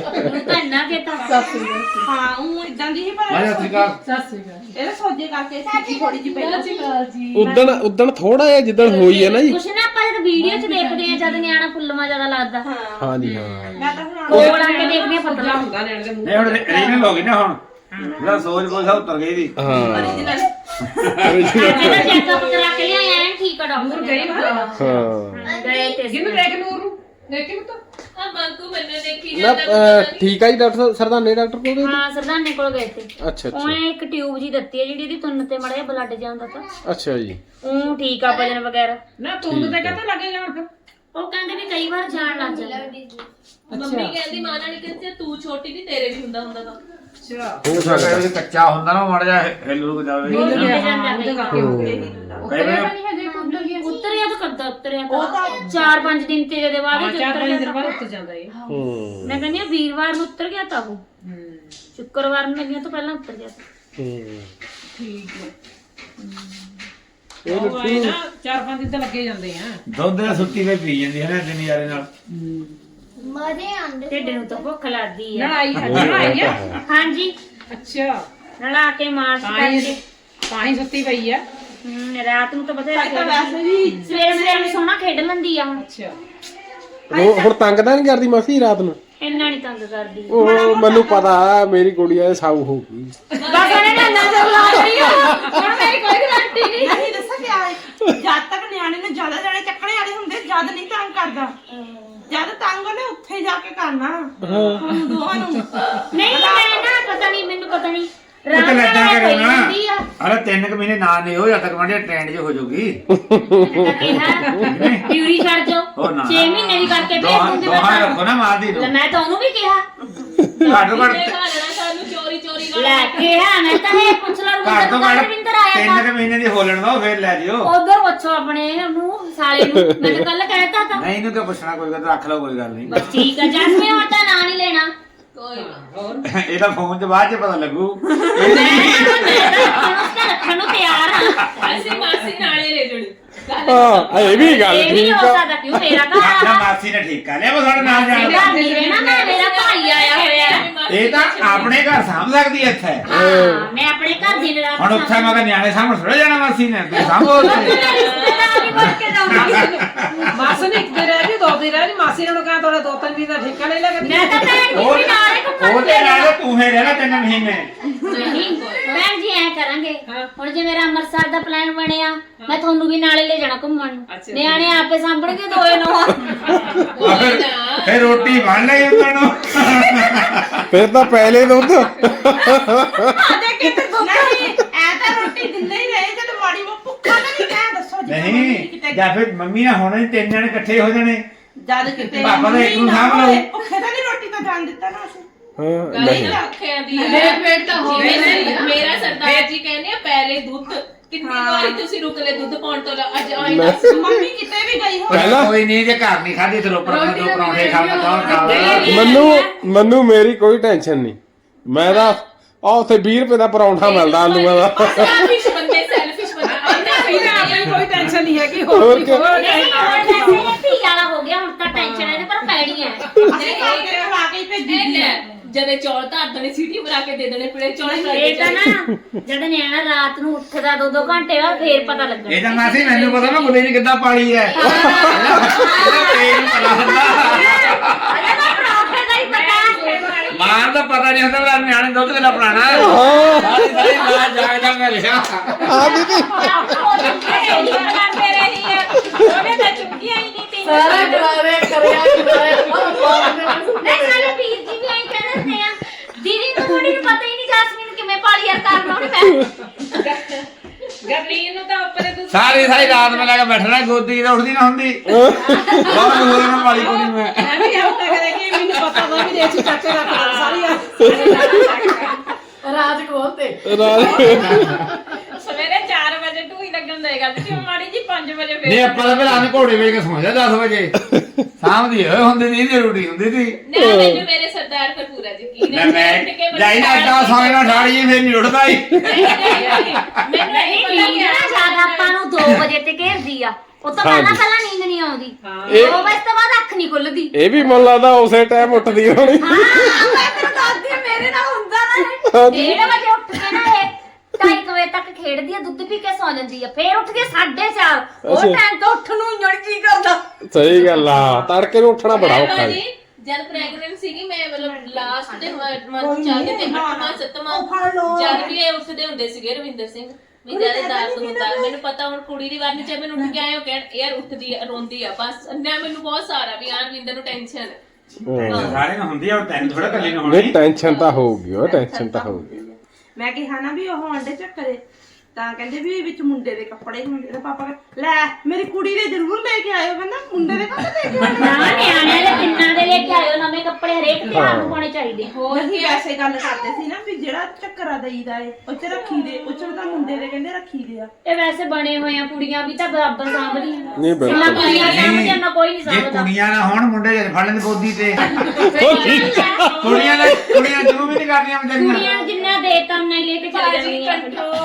ਹਾਂ ਉਹ ਇਦਾਂ ਦੀ ਹੀ ਪਰ
ਮੈਂ ਸ੍ਰੀਕਾਲ
ਸਤਿ ਸ੍ਰੀ ਅਕਾਲ
ਇਹਦੇ ਸੋਜੇ ਕਰਕੇ ਸਿੱਧੀ ਥੋੜੀ ਜਿਹੀ ਪਹਿਲਾਂ
ਉਦਣ ਉਦਣ ਥੋੜਾ ਜਿਹਾ ਜਿੱਦਣ ਹੋਈ ਹੈ ਨਾ ਜੀ
ਕੁਛ ਨਾ ਆਪਾਂ ਜਦ ਵੀਡੀਓ 'ਚ ਦੇਖਦੇ ਆ ਜਦ ਨਿਆਣਾ ਫੁੱਲਮਾ ਜ਼ਿਆਦਾ ਲੱਗਦਾ
ਹਾਂਜੀ ਹਾਂ
ਮੈਂ ਤਾਂ ਹੁਣ
ਕੋਲ ਆ ਕੇ ਦੇਖਦੇ ਆ
ਪਤਲਾ
ਪਤਲਾ
ਹੁੰਦਾ ਨੈਣ ਦੇ ਮੂੰਹ
ਨਹੀਂ ਹੁਣ ਰੀਨਲ ਹੋ ਗਈ ਨਾ ਹੁਣ ਜਿਹੜਾ ਸੋਚ ਕੋਈ ਸਾ ਉਤਰ ਗਈ ਦੀ
ਹਾਂ
ਇਹਦਾ ਚੈੱਕਅਪ ਕਰਾ ਕੇ ਲਿਆਇਆ ਐਨ ਠੀਕ ਆ ਡਾਕਟਰ
ਗਈ ਨਾ
ਹਾਂ
ਗਏ ਤੇ
ਕਿਹਨੂੰ ਦੇਖ ਨੂਰ ਨੂੰ ਦੇਖੀ ਮਤ
ਆ ਮੰਗੂ ਮੈਨੂੰ ਦੇਖੀ
ਨਾ
ਜਾਂਦਾ
ਅਹ, ਠੀਕ ਆ ਜੀ ਡਾਕਟਰ ਸਰਦਾਨੇ ਡਾਕਟਰ ਕੋਲ ਗਏ
ਹਾਂ ਸਰਦਾਨੇ ਕੋਲ ਗਏ ਤੇ
ਸੀ? ਅੱਛਾ ਅੱਛਾ
ਉਹਨੇ ਇੱਕ ਟਿਊਬ ਜੀ ਦਿੱਤੀ ਹੈ ਜਿਹੜੀ ਇਹਦੀ ਤੁੰਨ ਤੇ ਮੜਿਆ ਬਲੱਡ ਜਾਂਦਾ ਤਾਂ
ਅੱਛਾ ਜੀ
ਉਹ ਠੀਕ ਆ ਵਜਨ ਵਗੈਰਾ
ਨਾ ਤੁੰਦ ਤੇ ਕਹਤੇ ਲੱਗੇ ਜਾਣ ਫਿਰ
ਉਹ ਕਹਿੰਦੇ ਵੀ ਕਈ ਵਾਰ ਜਾਣ ਲੱਗ ਜਾਂਦਾ
ਮੰਮੀ ਕਹਿੰਦੀ ਮਾਂ ਨਾਲ ਕਹਿੰਦੀ ਤੂੰ ਛੋਟੀ ਦੀ ਤੇਰੇ ਵੀ ਹੁੰਦਾ ਹੁੰਦਾ ਤਾਂ
ਅੱਛਾ
ਹੋ ਸਕਦਾ ਜੇ ਕੱਚਾ ਹੁੰਦਾ ਨਾ ਮਾੜਾ ਜਿਹਾ ਹਿੱਲ ਰੁਕ ਜਾਵੇ
ਉਹ
ਕਈ
ਹਿੱਲ ਜਾਂਦਾ
ਉਹਦੇ
ਕਈ
ਕਰਕੇ ਹੋ ਗਿਆ
ਵਾਰ
ਉਤਰਿਆ ਤਾਂ ਕਰਦਾ ਉਤਰਿਆ ਤਾਂ ਚਾਰ ਪੰਜ ਦਿਨ ਤੇ ਜਿਹਦੇ ਬਾਅਦ ਹੀ
ਚਾਰ
ਉਤਰ
ਪੰਜ
ਗਿਆ
ਦਿਨ
ਤਾਂ।
ਬਾਅਦ ਉੱਤ ਜਾਂਦਾ ਇਹ
ਹੂੰ
ਮੈਂ ਕਹਿੰਦੀ ਆ ਵੀਰਵਾਰ ਨੂੰ ਉਤਰ ਗਿਆ ਤਾਂ ਉਹ ਸ਼ੁੱਕਰਵਾਰ ਨੂੰ ਲੱਗਿਆ ਤੋਂ ਪਹਿਲਾਂ ਉਤਰ ਗਿਆ ਤਾਂ।
ਹੂੰ
ਠੀਕ ਹੈ
ਇਹ
ਉਹ ਆਏ ਨਾ ਚਾਰ ਪੰਜ ਦਿਨ ਤਾਂ ਲੱਗੇ ਜਾਂਦੇ ਆ
ਦੁੱਧ ਦਾ ਸੁੱਤੀ ਵੇ ਪੀ ਜਾਂਦੀ ਹੈ ਨਾ ਦਿਨ ਯਾਰੇ ਨਾਲ
ਮਰੇ ਆਂਦੇ ਢਿੱਡ ਨੂੰ ਤਾਂ ਭੁੱਖ ਲੱਗਦੀ ਆ
ਲੜਾਈ ਹੈ ਲੜਾਈ ਆ
ਹਾਂਜੀ
ਅੱਛਾ
ਨਲਾ ਕੇ ਮਾਰਚ
ਤਾਂ ਹੀ
ਕਰਕੇ
ਤਾਂ ਹੀ ਸੁੱਤੀ ਪਈ ਆ
ਹਮ, ਰਾਤ ਨੂੰ ਤਾਂ ਬਥੇਰਾ
ਤਾਂ ਵੈਸੇ ਵੀ
ਸਵੇਰੇ ਸਵੇਰੇ ਨੂੰ ਸੋਹਣਾ ਖੇਡ ਲੈਂਦੀ ਆ ਹੁਣ
ਅੱਛਾ
ਉਹ ਹੁਣ ਤੰਗ ਤਾਂ ਨਹੀਂ ਕਰਦੀ ਮਾਸੀ ਰਾਤ ਨੂੰ
ਇੰਨਾ ਨਹੀਂ ਤੰਗ ਕਰਦੀ
ਉਹ ਮੈਨੂੰ ਪਤਾ ਮੇਰੀ ਗੁੜੀਆ ਸਾਊ ਹੋ ਗਈ
ਬਸ ਉਹਨੇ ਨਾ ਨਜ਼ਰ ਲਾ ਲਈ ਆ। ਹੁਣ ਮੇਰੀ ਕੋਈ ਗਰੰਟੀ ਨਹੀਂ
ਨਹੀਂ ਦੱਸਾਂ ਕਿਆ ਹੈ ਜਦ ਤੱਕ ਨਿਆਣੇ ਨੇ ਜ਼ਿਆਦਾ ਜਾਣੇ ਚੱਕਣੇ ਵਾਲੇ ਹੁੰਦੇ ਜਦ ਨਹੀਂ ਤੰਗ ਕਰਦਾ ਜਦ ਤੰਗ ਉਹਨੇ ਉੱਥੇ ਜਾ ਕੇ ਕਰਨਾ ਹੁਣ ਦੋਵਾਂ ਨੂੰ
ਨਹੀਂ ਮੈਂ ਨਾ ਪਤਾ ਨਹੀਂ ਮੈਨੂੰ ਪਤਾ ਨਹੀਂ
ਉਹ ਤਾਂ ਲੱਗਾ
ਨਾਲ
ਕਰੇ
ਹੋਈ
ਨਾ
ਜਾਂਦੀ ਆ।
ਅਰੇ ਤਿੰਨ ਕੁ ਮਹੀਨੇ ਨਾ ਨਹੀਂ ਹੋ ਜਦ ਤੱਕ ਮੰਡੇ ਟ੍ਰੈਂਡ 'ਚ ਹੋ ਜਾਊਗੀ
ਮੈਂ ਕਿਹਾ ਡਿਊਟੀ ਛੱਡ ਜਾਓ
ਉਹ ਨਾ
ਛੇ ਮਹੀਨੇ ਦੀ ਕਰਕੇ ਭੇਜ
ਦੋਹਾਂ
ਦੂੰਗੀ
ਦੋਹਾਂ
ਮੈਂ
ਰੱਖੋ ਨਾ ਮਾਰਦੀ
ਤਾਂ।
ਨੂੰ
ਲੈ ਮੈਂ ਤਾਂ ਉਹਨੂੰ ਵੀ ਕਿਹਾ
ਘੱਟ
ਘੱਟ
ਘੱਟ
ਸਾਨੂੰ ਚੋਰੀ ਚੋਰੀ
ਲੈ ਕੇ ਆ ਮੈਂ ਤਾਂ ਇਹ ਪੁੱਛ ਲਾ
ਘਰ ਤੋਂ
ਰਵਿੰਦਰ
ਘੱਟ
ਰਵਿੰਦਰ ਆਇਆ
ਤਿੰਨ
ਤਾਂ
ਕੁ ਮਹੀਨੇ ਦੀ ਹੋਲਣ ਦੋ ਫਿਰ ਲੈ ਜਿਓ
ਉਧਰ ਪੁੱਛੋ ਆਪਣੇ ਨੂੰ ਸਾਲੇ ਨੂੰ ਮੈਂ ਤਾਂ ਕੱਲ ਕਹਿਤਾ ਤਾਂ
ਨਹੀਂ ਇਹਨੂੰ ਕਿਉਂ ਪੁੱਛਣਾ ਕੋਈ ਗੱਲ ਰੱਖ ਲਓ ਕੋਈ ਗੱਲ ਨਹੀਂ
ਬਸ ਠੀਕ ਆ ਜਸਮੀ ਹੁਣ ਤਾਂ ਨਾਂ ਨਹੀਂ ਲੈਣਾ
ਕੋਈ ਨਾ
ਇਹਦਾ ਫੋਨ 'ਚ ਬਾਅਦ 'ਚ ਪਤਾ ਲੱਗੂ
ਮੈਂ ਤਾਂ ਰੱਖਣ ਨੂੰ ਤਿਆਰ ਹਾਂ
ਅਸੀਂ ਮਾਸੀ ਨਾਲੇ ਲੈ ਜਣੀ
ਹਾਂ ਇਹ ਵੀ ਗੱਲ
ਇਹ ਵੀ
ਠੀਕ
ਹੋ
ਆ
ਸਕਦਾ ਕਿਉਂ ਮੇਰਾ ਘਰ
ਆਖਿਆ
ਆ
ਮਾਸੀ ਨੇ ਠੀਕ ਕਰ ਲਿਆ ਉਹ ਸਾਡੇ ਨਾਲ ਜਾਣ
ਮੇਰਾ ਨਹੀਂ ਰਹਿਣਾ ਮੈਂ ਮੇਰਾ ਭਾਈ ਆਇਆ ਹੋਇਆ
ਇਹ ਤਾਂ ਆਪਣੇ ਘਰ ਸਾਂਭ ਸਕਦੀ ਐ ਇੱਥੇ
ਹਾਂ ਮੈਂ ਆਪਣੇ ਘਰ ਦੀ ਲੜਾ
ਹੁਣ ਉੱਥੇ ਮੈਂ ਤਾਂ ਨਿਆਣੇ ਸਾਹਮਣੇ ਥੋੜਾ ਜਾਣਾ ਮਾਸੀ ਨੇ ਤੂੰ ਸਾਂਭੋ
ਰਿਸ਼ਤੇਦਾਰੀ ਬਣ ਕੇ ਜਾਊਂਗੀ
ਮਾਸੀ ਨੇ ਇੱਕ ਦਿਨ ਰਹਿ ਜੀ ਦੋ ਦਿਨ ਰਹਿ ਜੀ ਮਾਸੀ ਨੇ ਉਹਨੂੰ ਕਹਾ ਤੁਹਾਡੇ ਦੋ ਤਿੰਨ ਦਿਨ ਦਾ ਠੇਕਾ ਲੈ ਲੈ ਕੇ
ਮੈਂ ਤਾਂ ਭੈਣ ਜੀ ਵੀ ਨਾਲੇ ਘੁੰਮਣ
ਉਹ ਤੇ ਨਾਲ ਤੂੰ ਹੀ ਰਹਿਣਾ ਤਿੰਨ ਮਹੀਨੇ
ਨਹੀਂ ਭੈਣ ਜੀ ਐ ਕਰਾਂਗੇ ਹੁਣ ਜੇ ਮੇਰਾ ਅੰਮ੍ਰਿਤਸਰ ਦਾ ਪਲਾਨ ਬਣਿਆ ਮੈਂ ਤੁਹਾਨੂੰ ਵੀ ਨਾਲੇ ਲੈ ਜਾਣਾ ਘੁੰਮਣ ਨਿਆਣੇ ਆਪੇ ਸਾਂਭਣਗੇ ਦੋਏ ਨੂੰ
ਫਿਰ ਫਿਰ ਰੋਟੀ ਬਣ ਲਈ ਉਹਨਾਂ ਨੂੰ
ਫਿਰ ਤਾਂ ਪਹਿਲੇ ਦੁੱਧ
ਆਦੇ ਕਿਤੇ ਦੁੱਧ ਨਹੀਂ ਐ ਤਾਂ ਰੋਟੀ ਦਿੰਦੇ ਹੀ ਰਹੇ ਜਦ ਮਾੜੀ ਮੋ ਭੁੱਖਾ ਤਾਂ ਨਹੀਂ ਕਹਿ ਦੱਸੋ ਜੀ
ਨਹੀਂ ਜਾਂ ਫਿਰ ਮੰਮੀ ਨਾਲ ਹੋਣੇ ਤਿੰਨ ਜਣੇ ਇਕੱਠੇ ਹੋ ਜਾਣੇ
ਜਦ ਕਿਤੇ
ਪਾਪਾ ਦਾ ਇੱਕ ਨੂੰ ਸਾਂਭ ਲਓ।
ਭੁੱਖੇ ਤਾਂ ਨਹੀਂ ਰੋਟੀ ਤਾਂ ਜਾਣ ਦਿੱਤਾ ਨਾ ਅਸੀਂ
ਹਾਂ
ਨਹੀਂ
ਨਹੀਂ
ਰੱਖਿਆ ਦੀ
ਪੇਟ ਪੇਟ ਤਾਂ ਹੋ
ਜਿਵੇਂ
ਗਈ
ਨਾ ਮੇਰਾ ਸਰਦਾਰ ਜੀ ਕਹਿੰਦੇ ਆ ਪਹਿਲੇ ਦੁੱਧ ਕਿੰਨੀ ਵਾਰੀ ਤੁਸੀਂ ਰੁਕ ਲੈ ਦੁੱਧ ਪਾਉਣ ਤੋਂ ਲਾ- ਅੱਜ ਆਈ ਦੱਸ
ਮੰਮੀ ਕਿਤੇ ਵੀ ਗਈ ਹੋ
ਪਹਿਲਾਂ-
ਕੋਈ ਨਹੀਂ ਜੇ ਘਰ ਨਹੀਂ ਖਾਧੀ ਤੇ ਰੋਪੜ ਆਪਣੇ ਦੋ ਪਰੌਂਠੇ ਖਾ ਕੇ ਕੌਣ ਖਾਵੇ
ਮੈਨੂੰ ਮੈਨੂੰ ਮੇਰੀ ਕੋਈ ਟੈਨਸ਼ਨ ਨਹੀਂ ਮੈਂ ਤਾਂ ਆ ਉੱਥੇ ਵੀਹ ਰੁਪਏ ਦਾ ਪਰੌਂਠਾ ਮਿਲਦਾ ਆਲੂਆਂ ਦਾ
ਸੈਲਫਿਸ਼ ਬੰਦੇ ਸੈਲਫਿਸ਼ ਬੰਦੇ
ਆਪਣੀ ਕੋਈ ਟੈਨਸ਼ਨ ਨਹੀਂ ਹੈਗੀ
ਹੋਰ
ਹੋਰ
ਕੀ।
ਨਹੀਂ ਹੁਣ ਵੈਸੇ ਇਹ ਧੀ ਵਾਲਾ ਹੋ ਗਿਆ ਹੁਣ ਤਾਂ ਟੈਨਸ਼ਨ ਇਹਦੇ ਪਰ ਪੈਣੀ ਹੈ
ਅਸੀਂ ਖਾ ਕੇ ਖਵਾ ਕੇ ਹੀ ਭੇਜੀ ਦੀ ਆ।
ਜਦੇ ਚੌਲ ਧਰ ਦੇਣੇ ਸੀਟੀ ਬਣਾ ਕੇ ਦੇ ਦੇਣੇ ਫਿਰ ਚੌਲ ਬਣਾ
ਇਹ ਤਾਂ ਨਾ ਜਦ ਨਿਆਣਾ ਰਾਤ ਨੂੰ ਉੱਠਦਾ ਦੋ ਦੋ ਘੰਟੇ ਬਾਅਦ ਫੇਰ ਪਤਾ ਲੱਗਣਾ
ਇਹ ਤਾਂ ਮਾਸੀ ਮੈਨੂੰ ਪਤਾ ਨਾ ਗੁੱਲੇ ਨੇ ਕਿੱਦਾਂ ਪਾਲੀ ਹੈ ਇਹਦਾ ਪੇਟ ਨੂੰ ਪਤਾ ਹੁੰਦਾ
ਅਰੇ ਨਾ ਪਰੌਂਠੇ ਦਾ ਹੀ ਪਤਾ
ਮਾਂ ਦਾ ਪਤਾ ਨਹੀਂ ਹੁੰਦਾ ਮੇਰਾ ਨਿਆਣੇ ਦੁੱਧ ਕਿੰਨਾ ਪੁਰਾਣਾ ਹੈ ਸਾਰੀ ਸਾਰੀ ਮਾਂ ਜਾਗਦਾ ਮੈਂ ਰਿਹਾ
ਆ ਦੀਦੀ
ਕਰਦੇ ਰਹੀ ਹੈ ਉਹਨੇ ਤਾਂ ਚੁੱਕੀਆਂ ਹੀ ਨਹੀਂ ਤੀ
ਸਾਰਾ ਕਰਾਰੇ ਕਰਿਆ
ਨਹੀਂ ਸਾਡੇ ਵੀਰ ਜੀ ਵੀ ਐਂ ਕਹਿੰਦੇ ਹੁੰਦੇ ਆ ਦੀਦੀ ਨੂੰ ਥੋੜੀ ਨੂੰ ਪਤਾ ਹੀ ਨਹੀਂ ਜਾਸਮੀਨ ਕਿਵੇਂ ਪਾਲੀ ਯਾਰ ਕਰਨਾ ਉਹਨੇ ਮੈਂ
ਗਰਲੀਨ ਨੂੰ ਤਾਂ ਉੱਪਰੇ ਤੂੰ
ਸਾਰੀ ਸਾਰੀ ਰਾਤ ਮੈਂ ਲੈ ਕੇ ਬੈਠਣਾ ਗੋਦੀ ਤੇ ਉੱਠਦੀ ਨਾ ਹੁੰਦੀ ਬਹੁਤ ਹੋਰ ਨਾ ਪਾਲੀ ਕੋਈ ਮੈਂ
ਮੈਂ ਵੀ ਹੱਥ ਕਰੇ ਕਿ ਮੈਨੂੰ ਪਤਾ ਵਾ ਵੀ ਦੇਸੀ ਚਾਚੇ ਦਾ ਖਾਣਾ ਸਾਰੀ ਰਾਜ ਕੋਲ ਤੇ
ਸਵੇਰੇ ਚਾਰ ਵਜੇ ਢੂਈ ਲੱਗਣ ਦੇਗਾ ਤੇ ਮਾੜੀ ਜੀ ਪੰਜ ਵਜੇ ਫੇਰ
ਨਹੀਂ ਆਪਾਂ ਤਾਂ ਫਿਰ ਆਨੇ ਘੋੜੇ ਵੇਚ ਕੇ ਸੌਂ ਜਾ ਦਸ ਵਜੇ ਸ਼ਾਮ ਦੀ ਹੋਏ ਹੁੰਦੀ ਨਹੀਂ ਦੀ ਰੋਟੀ ਹੁੰਦੀ ਸੀ
ਨਾ ਮੈਨੂੰ ਮੇਰੇ ਸਰਦਾਰ ਤੇ ਪੂਰਾ ਯਕੀਨ
ਮੈਂ
ਹੈ
ਮੈਂ ਜਾਈ ਨਾ ਅੱਡਾ ਸੌਂ ਨਾ ਠਾੜੀ ਫਿਰ ਨਹੀਂ ਉੱਠਦਾ ਹੀ
ਮੈਨੂੰ
ਨਹੀਂ
ਨਹੀਂ ਪਤਾ
ਨੀਂਦ ਨਾ ਜ਼ਿਆਦਾ ਆਪਾਂ ਨੂੰ ਦੋ ਵਜੇ ਤੇ ਘੇਰਦੀ ਆ ਉਹ ਤੋਂ ਪਹਿਲਾਂ ਪਹਿਲਾਂ ਨੀਂਦ ਨਹੀਂ ਆਉਂਦੀ
ਇਹ-
ਦੋ ਵਜੇ ਤੋਂ ਬਾਅਦ ਅੱਖ ਨਹੀਂ ਖੁੱਲਦੀ
ਇਹ ਵੀ ਮੈਨੂੰ ਲੱਗਦਾ ਉਸੇ ਟਾਈਮ ਉੱਠਦੀ ਹੋਣੀ
ਹਾਂ ਮੈਂ ਤੈਨੂੰ ਦੱਸਦੀ ਆ, ਮੇਰੇ ਨਾਲ ਹੁੰਦਾ ਨਾ ਡੇਢ ਵਜੇ ਉੱਠ ਕੇ ਨਾ ਇਹ ਢਾਈ ਕੁ ਵਜੇ ਤੱਕ ਖੇਡਦੀ ਆ ਦੁੱਧ ਪੀ ਕੇ ਸੌ ਜਾਂਦੀ ਆ ਫੇਰ ਉੱਠ ਕੇ ਸਾਢੇ ਚਾਰ ਉਹ
ਅੱਛਾ।
ਟਾਈਮ ਤੋਂ ਉੱਠ ਨੂੰ ਇੰਜਣ ਕੀ ਕਰਦਾ
ਸਹੀ ਗੱਲ ਆ ਤੜਕੇ ਨੂੰ ਉੱਠਣਾ ਬੜਾ ਔਖਾ
ਜੀ
ਹੈ
ਜਦ ਪ੍ਰੈਗਨੈਂਟ ਸੀਗੀ ਮੈਂ ਮਤਲਬ ਲਾਸਟ ਦੇ ਮੰਥ ਚੱਲਦੇ ਤੇ ਅੱਠਵਾਂ ਸੱਤਵਾਂ
ਉਹ ਫੜ ਲਓ।
ਜਦ ਵੀ ਇਹ ਉੱਠਦੇ ਹੁੰਦੇ ਸੀਗੇ ਰਵਿੰਦਰ ਸਿੰਘ ਵੀ ਜਿਆਦਾ ਦਰਦ ਹੁੰਦਾ ਮੈਨੂੰ ਪਤਾ ਹੁਣ ਕੁੜੀ ਦੀ ਵਾਰ ਨਹੀਂ ਚਾਹੇ ਮੈਨੂੰ ਉੱਠ ਕੇ ਆਏ ਹੋ ਕਹਿਣ ਯਾਰ ਉੱਠਦੀ ਆ ਰੋਂਦੀ ਆ ਬਸ ਨਾ ਮੈਨੂੰ ਬਹੁਤ ਸਾਰਾ ਵੀ ਯਾਰ ਰਵਿੰਦਰ ਨੂੰ ਟੈਨਸ਼ਨ
ਹਮ।
ਸਾਰੇ ਨੂੰ ਹੁੰਦੀ ਆ ਤੈਨੂੰ ਥੋੜਾ ਕੱਲੀ ਨੂੰ
ਨਹੀਂ
ਹੋਣੀ
ਟੈਨਸ਼ਨ ਤਾਂ ਹੋਊਗੀ ਉਹ ਟੈਨਸ਼ਨ ਤਾਂ ਹੋਊਗੀ
ਮੈਂ ਕਿਹਾ ਨਾ ਵੀ ਉਹ ਅੰਡੇ ਚੱਕਰੇ ਤਾਂ ਕਹਿੰਦੇ ਵੀ ਵਿੱਚ ਮੁੰਡੇ ਦੇ ਕੱਪੜੇ ਹੁੰਦੇ ਤੇ ਪਾਪਾ ਕਹਿੰਦੇ, ਲੈ ਮੇਰੀ ਕੁੜੀ ਦੇ ਜ਼ਰੂਰ ਲੈ ਕੇ ਆਇਓ ਕਹਿੰਦਾ ਮੁੰਡੇ ਦੇ ਕਾਹਤੇ ਲੈ ਕੇ ਆਉਣੇ
ਨਾ ਨਿਆਣਿਆਂ ਦੇ ਕਿੰਨਾ ਦੇ ਲੈ ਕੇ ਆਇਓ ਨਵੇਂ ਕੱਪੜੇ ਹਰੇਕ ਤਿਉਹਾਰ ਨੂੰ ਪਾਉਣੇ ਚਾਹੀਦੇ
ਹੋਰ ਹੀ ਵੈਸੇ ਗੱਲ ਕਰਦੇ ਸੀ ਨਾ ਵੀ ਜਿਹੜਾ ਚੱਕਰਾ ਦਈਦਾ ਏ ਉਹ ਚ ਰੱਖੀ ਦੇ ਉਹ ਚ ਤਾਂ ਮੁੰਡੇ ਦੇ ਕਹਿੰਦੇ ਰੱਖੀ ਦੇ ਆ
ਇਹ ਵੈਸੇ ਬਣੇ ਹੋਏ ਆ ਕੁੜੀਆਂ ਵੀ ਤਾਂ ਬਰਾਬਰ ਸਾਂਭਦੀਆਂ
ਨਹੀਂ
ਨਾ
ਬਿਲਕੁਲ
ਕੁੜੀਆਂ ਸਾਂਭਦੀਆਂ ਨਾ ਕੋਈ ਨਹੀਂ
ਜੇ
ਸਾਂਭਦਾ
ਕੁੜੀਆਂ ਨਾ ਹੋਣ ਮੁੰਡੇ ਜਦ ਫੜ ਲੈਂਦੇ ਗੋਦੀ ਤੇ
ਸਹੀ ਗੱਲ ਹੈ।
ਕੁੜੀਆਂ ਨੇ ਕੁੜੀਆਂ ਜੂ ਵੀ ਨਹੀਂ ਕਰਦੀਆਂ ਵਿਚਾਰੀਆਂ
ਕੁੜੀਆਂ ਨੂੰ ਜਿੰਨਾ ਦੇਤਾ ਉਹਨਾਂ ਲੈ ਕੇ ਚਲੇ ਜਾਂਦੀਆਂ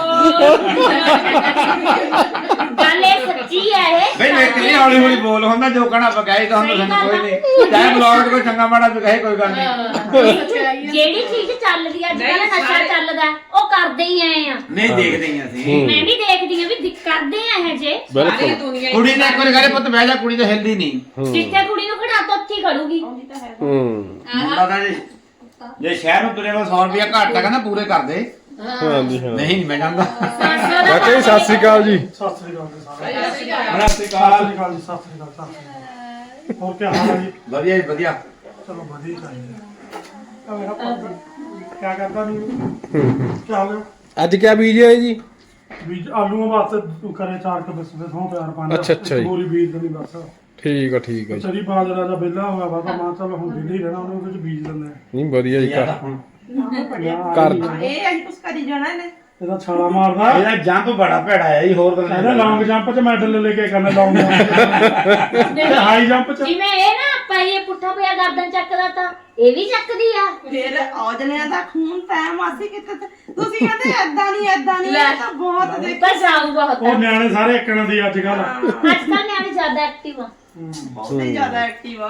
ਗੱਲ ਇਹ ਸੱਚੀ ਹੈ ਇਹ
ਬਈ ਮੈਂ ਕਿੰਨੀ ਹੌਲੀ ਹੌਲੀ ਬੋਲ ਹੁੰਦਾ ਜੋ ਕਹਣਾ ਬਗਾਈ ਤਾਂ ਹੁੰਦਾ ਸਾਨੂੰ ਕੋਈ ਨਹੀਂ ਚਾਹੇ ਬਲੌਗ ਕੋਈ ਚੰਗਾ ਮਾੜਾ ਵੀ ਕਹੇ ਕੋਈ ਗੱਲ ਨਹੀਂ
ਜਿਹੜੀ ਚੀਜ਼ ਚੱਲਦੀ ਅੱਜ ਕੱਲ ਨਸ਼ਾ ਚੱਲਦਾ ਉਹ ਕਰਦੇ ਹੀ ਆਏ ਆ
ਨਹੀਂ ਦੇਖਦੇ ਹੀ ਅਸੀਂ
ਮੈਂ ਵੀ ਦੇਖਦੀ ਆ ਵੀ ਦਿਕ- ਕਰਦੇ ਆ ਇਹ ਜੇ
ਬਿਲਕੁਲ
ਕੁੜੀ ਨੇ ਇੱਕ ਵਾਰੀ ਕਹੇ ਪੁੱਤ ਬਹਿ ਜਾ ਕੁੜੀ ਤਾਂ ਹਿਲਦੀ ਨਹੀਂ
ਜਿੱਥੇ ਕੁੜੀ ਨੂੰ ਖੜਾ ਤਾ ਉੱਥੇ ਹੀ ਖੜੂਗੀ
ਹੂੰ
ਮੁੰਡਾ ਤਾਂ ਜੇ ਜੇ ਸ਼ਹਿਰ ਨੂੰ ਤੁਰੇ ਵਾ ਸੌ ਰੁਪਇਆ ਘੱਟ ਆ ਕਹਿੰਦਾ ਪੂਰੇ ਕਰ ਦੇ
ਹਾਂਜੀ ਹਾਂ
ਨਹੀਂ ਨਹੀਂ ਮੈਂ ਜਾਂਦਾ
ਚਾਚਾ ਜੀ ਸਤਿ ਸ੍ਰੀ ਅਕਾਲ ਜੀ
ਸਤਿ ਸ੍ਰੀ ਅਕਾਲ ਜੀ ਸਾਰਿਆਂ ਨੂੰ।
ਬੜਾ
ਸਤਿ ਸ੍ਰੀ ਅਕਾਲ ਜੀ ਸਤਿ ਸ੍ਰੀ ਅਕਾਲ ਸਤਿ ਸ੍ਰੀ ਅਕਾਲ ਹੋਰ ਕੀ ਹਾਲ ਹੈ ਜੀ
ਵਧੀਆ ਜੀ ਵਧੀਆ
ਚਲੋ ਵਧੀਆ ਚਾਹੀਦਾ ਆ ਮੇਰਾ ਭਾਈ ਕੀ ਕਰਦਾ ਨਹੀਂ ਕੀ ਹਾਲ ਹੈ
ਅੱਜ ਕਿਆ ਬੀਜ ਹੈ ਜੀ
ਬੀਜ ਆਲੂਆਂ ਵਾਸਤੇ ਕਰੇ ਚਾਰ ਕ ਬਿਸ ਦੇ ਸੌ ਪਿਆਰ ਪਾਣਾ
ਅੱਛਾ, ਅੱਛਾ ਜੀ।
ਪੂਰੀ ਬੀਜ ਦੇਣੀ ਬਸ
ਠੀਕ ਆ ਠੀਕ ਆ ਜੀ
ਚਰੀ ਬਾਜਰਾ ਦਾ ਵਿਹਲਾ ਹੋਇਆ ਵਾ ਤਾਂ ਮਾਂ ਚੱਲ ਹੁਣ ਵਿਹਲੇ ਹੀ ਰਹਿਣਾ ਉਹਨੇ ਉਹਦੇ ਚ ਬੀਜ ਦਿੰਦੇ ਆ
ਨਹੀਂ ਵਧੀਆ ਜੀ
ਯਾਰ
ਘਰ
ਹੁਣ
ਕਰ
ਇਹ ਅਸੀਂ ਕੁਛ ਕਰੀ ਜਾਣਾ ਇਹਨੇ
ਇਹਦਾ ਛਾਲਾ ਮਾਰਦਾ
ਇਹਦਾ ਜੰਪ ਬੜਾ ਭੈੜਾ ਹੈ ਜੀ ਹੋਰ ਤਾਂ
ਇਹਦਾ ਲੌਂਗ ਜੰਪ ਚ ਮੈਡਲ ਲੈ ਕੇ ਕਰਨਾ ਲੌਂਗ ਜੰਪ ਤੇ ਹਾਈ ਜੰਪ ਚ
ਜਿਵੇਂ ਇਹ ਨਾ ਆਪਾਂ ਇਹ ਪੁੱਠਾ ਪਿਆ ਗਰਦਨ ਚੱਕਦਾ ਤਾਂ ਇਹ ਵੀ ਚੱਕਦੀ ਆ
ਫਿਰ ਔਜਲਿਆਂ ਦਾ ਖੂਨ ਪੈ ਮਾਸੀ ਕਿਤੇ ਤੇ ਤੁਸੀਂ ਕਹਿੰਦੇ ਐਦਾਂ ਨਹੀਂ ਐਦਾਂ ਨਹੀਂ ਇਹ ਤਾਂ ਬਹੁਤ ਦੇਖ
ਪਰ ਸਾਊ ਬਹੁਤ
ਉਹ ਨਿਆਣੇ ਸਾਰੇ ਇੱਕਣ ਦੀ ਅੱਜ ਕੱਲ
ਅੱਜ ਕੱਲ ਨਿਆਣੇ ਜ਼ਿਆਦਾ ਐਕਟਿਵ ਆ
ਬਹੁਤ ਹੀ ਜ਼ਿਆਦਾ ਐਕਟਿਵ ਆ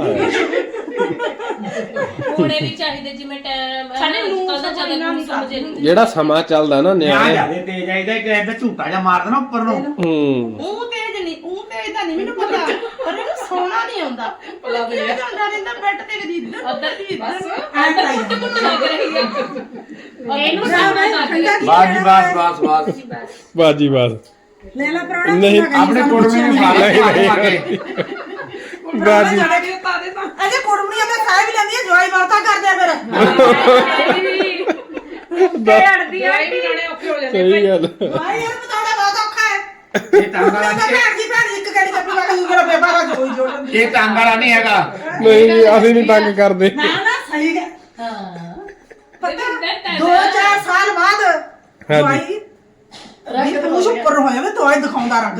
ਹੋਣੇ ਵੀ ਚਾਹੀਦੇ ਜਿਵੇਂ ਟਾਈਮ
ਸਾਡੇ ਨੂੰ
ਕੱਲ ਦਾ ਜ਼ਿਆਦਾ ਨਹੀਂ ਸਮਝੇ ਨਹੀਂ
ਜਿਹੜਾ ਸਮਾਂ ਚੱਲਦਾ ਨਾ
ਨਿਆ
ਨਿਆਣੇ
ਜਾਦੇ ਤੇਜ਼ ਆਈਦਾ ਕਿ ਇਹਦਾ ਝੂਟਾ ਜਾਂ ਮਾਰ ਦੇਣਾ ਉੱਪਰ ਨੂੰ
ਹੂੰ
ਉਹ ਤੇਜ ਨਹੀਂ ਉਹ ਤੇਜ ਤਾਂ ਨਹੀਂ ਮੈਨੂੰ ਪਤਾ ਪਰ ਇਹਨੂੰ ਸੌਣਾ ਨਹੀਂ ਆਉਂਦਾ ਪਲਾ ਦੇ ਜਾਂਦਾ ਰਹਿੰਦਾ ਬੈੱਡ ਤੇ ਕਦੀ ਇੱਧਰ
ਉੱਧਰ
ਕਦੀ ਇੱਧਰ
ਅੰਦਰ ਕੁੱਟ ਕੁੱਟ ਲੱਗ ਰਹੀ ਹੈ
ਇਹਨੂੰ ਸਾਹਮਣੇ
ਬਾਸ ਜੀ ਬਾਸ ਬਾਸ ਬਾਸ
ਬਾਜੀ ਬਾਸ
ਲੈ ਲੈ ਪ੍ਰਾਣਾ
ਨਹੀਂ
ਆਪਣੇ ਕੁੜਮੇ ਨੂੰ ਖਾ ਲੈ ਕੇ
ਬਾਜੀ
ਅਜੇ ਕੁੜਮਣੀਆਂ ਮੈਂ ਖਾ ਵੀ ਲੈਂਦੀ ਆ ਜਵਾਈ ਬਾਤਾਂ ਕਰਦੇ ਆ ਫਿਰ
ਲੜਦੀ ਆ
ਸਹੀ ਗੱਲ
ਜਵਾਈ ਯਾਰ ਬਤਾਉਣਾ ਬਹੁਤ ਔਖਾ ਹੈ
ਇਹ ਟੰਗ ਵਾਲਾ
ਮੈਂ ਭੈਣ ਜੀ ਭੈਣ ਜੀ ਇੱਕ ਗੜੀ ਕੱਪੀ ਲਾ ਕੇ ਮੇਰਾ ਬੇਬਾ ਦਾ ਜੋਈ ਜੋੜਨ
ਇਹ ਟੰਗ ਵਾਲਾ ਨਹੀਂ ਹੈਗਾ
ਨਹੀਂ ਜੀ, ਅਸੀਂ ਨਹੀਂ ਤੰਗ ਕਰਦੇ
ਨਾ ਨਾ ਸਹੀ ਹੈ
ਹਾਂ
ਪਤਾ ਦੋ ਚਾਰ ਸਾਲ ਬਾਅਦ ਜਵਾਈ ਰੰਗ ਤੇ ਮੁਝ ਉੱਪਰ ਹੋਇਆ ਮੈਂ ਤੋਏ ਦਿਖਾਉਂਦਾ ਰੰਗ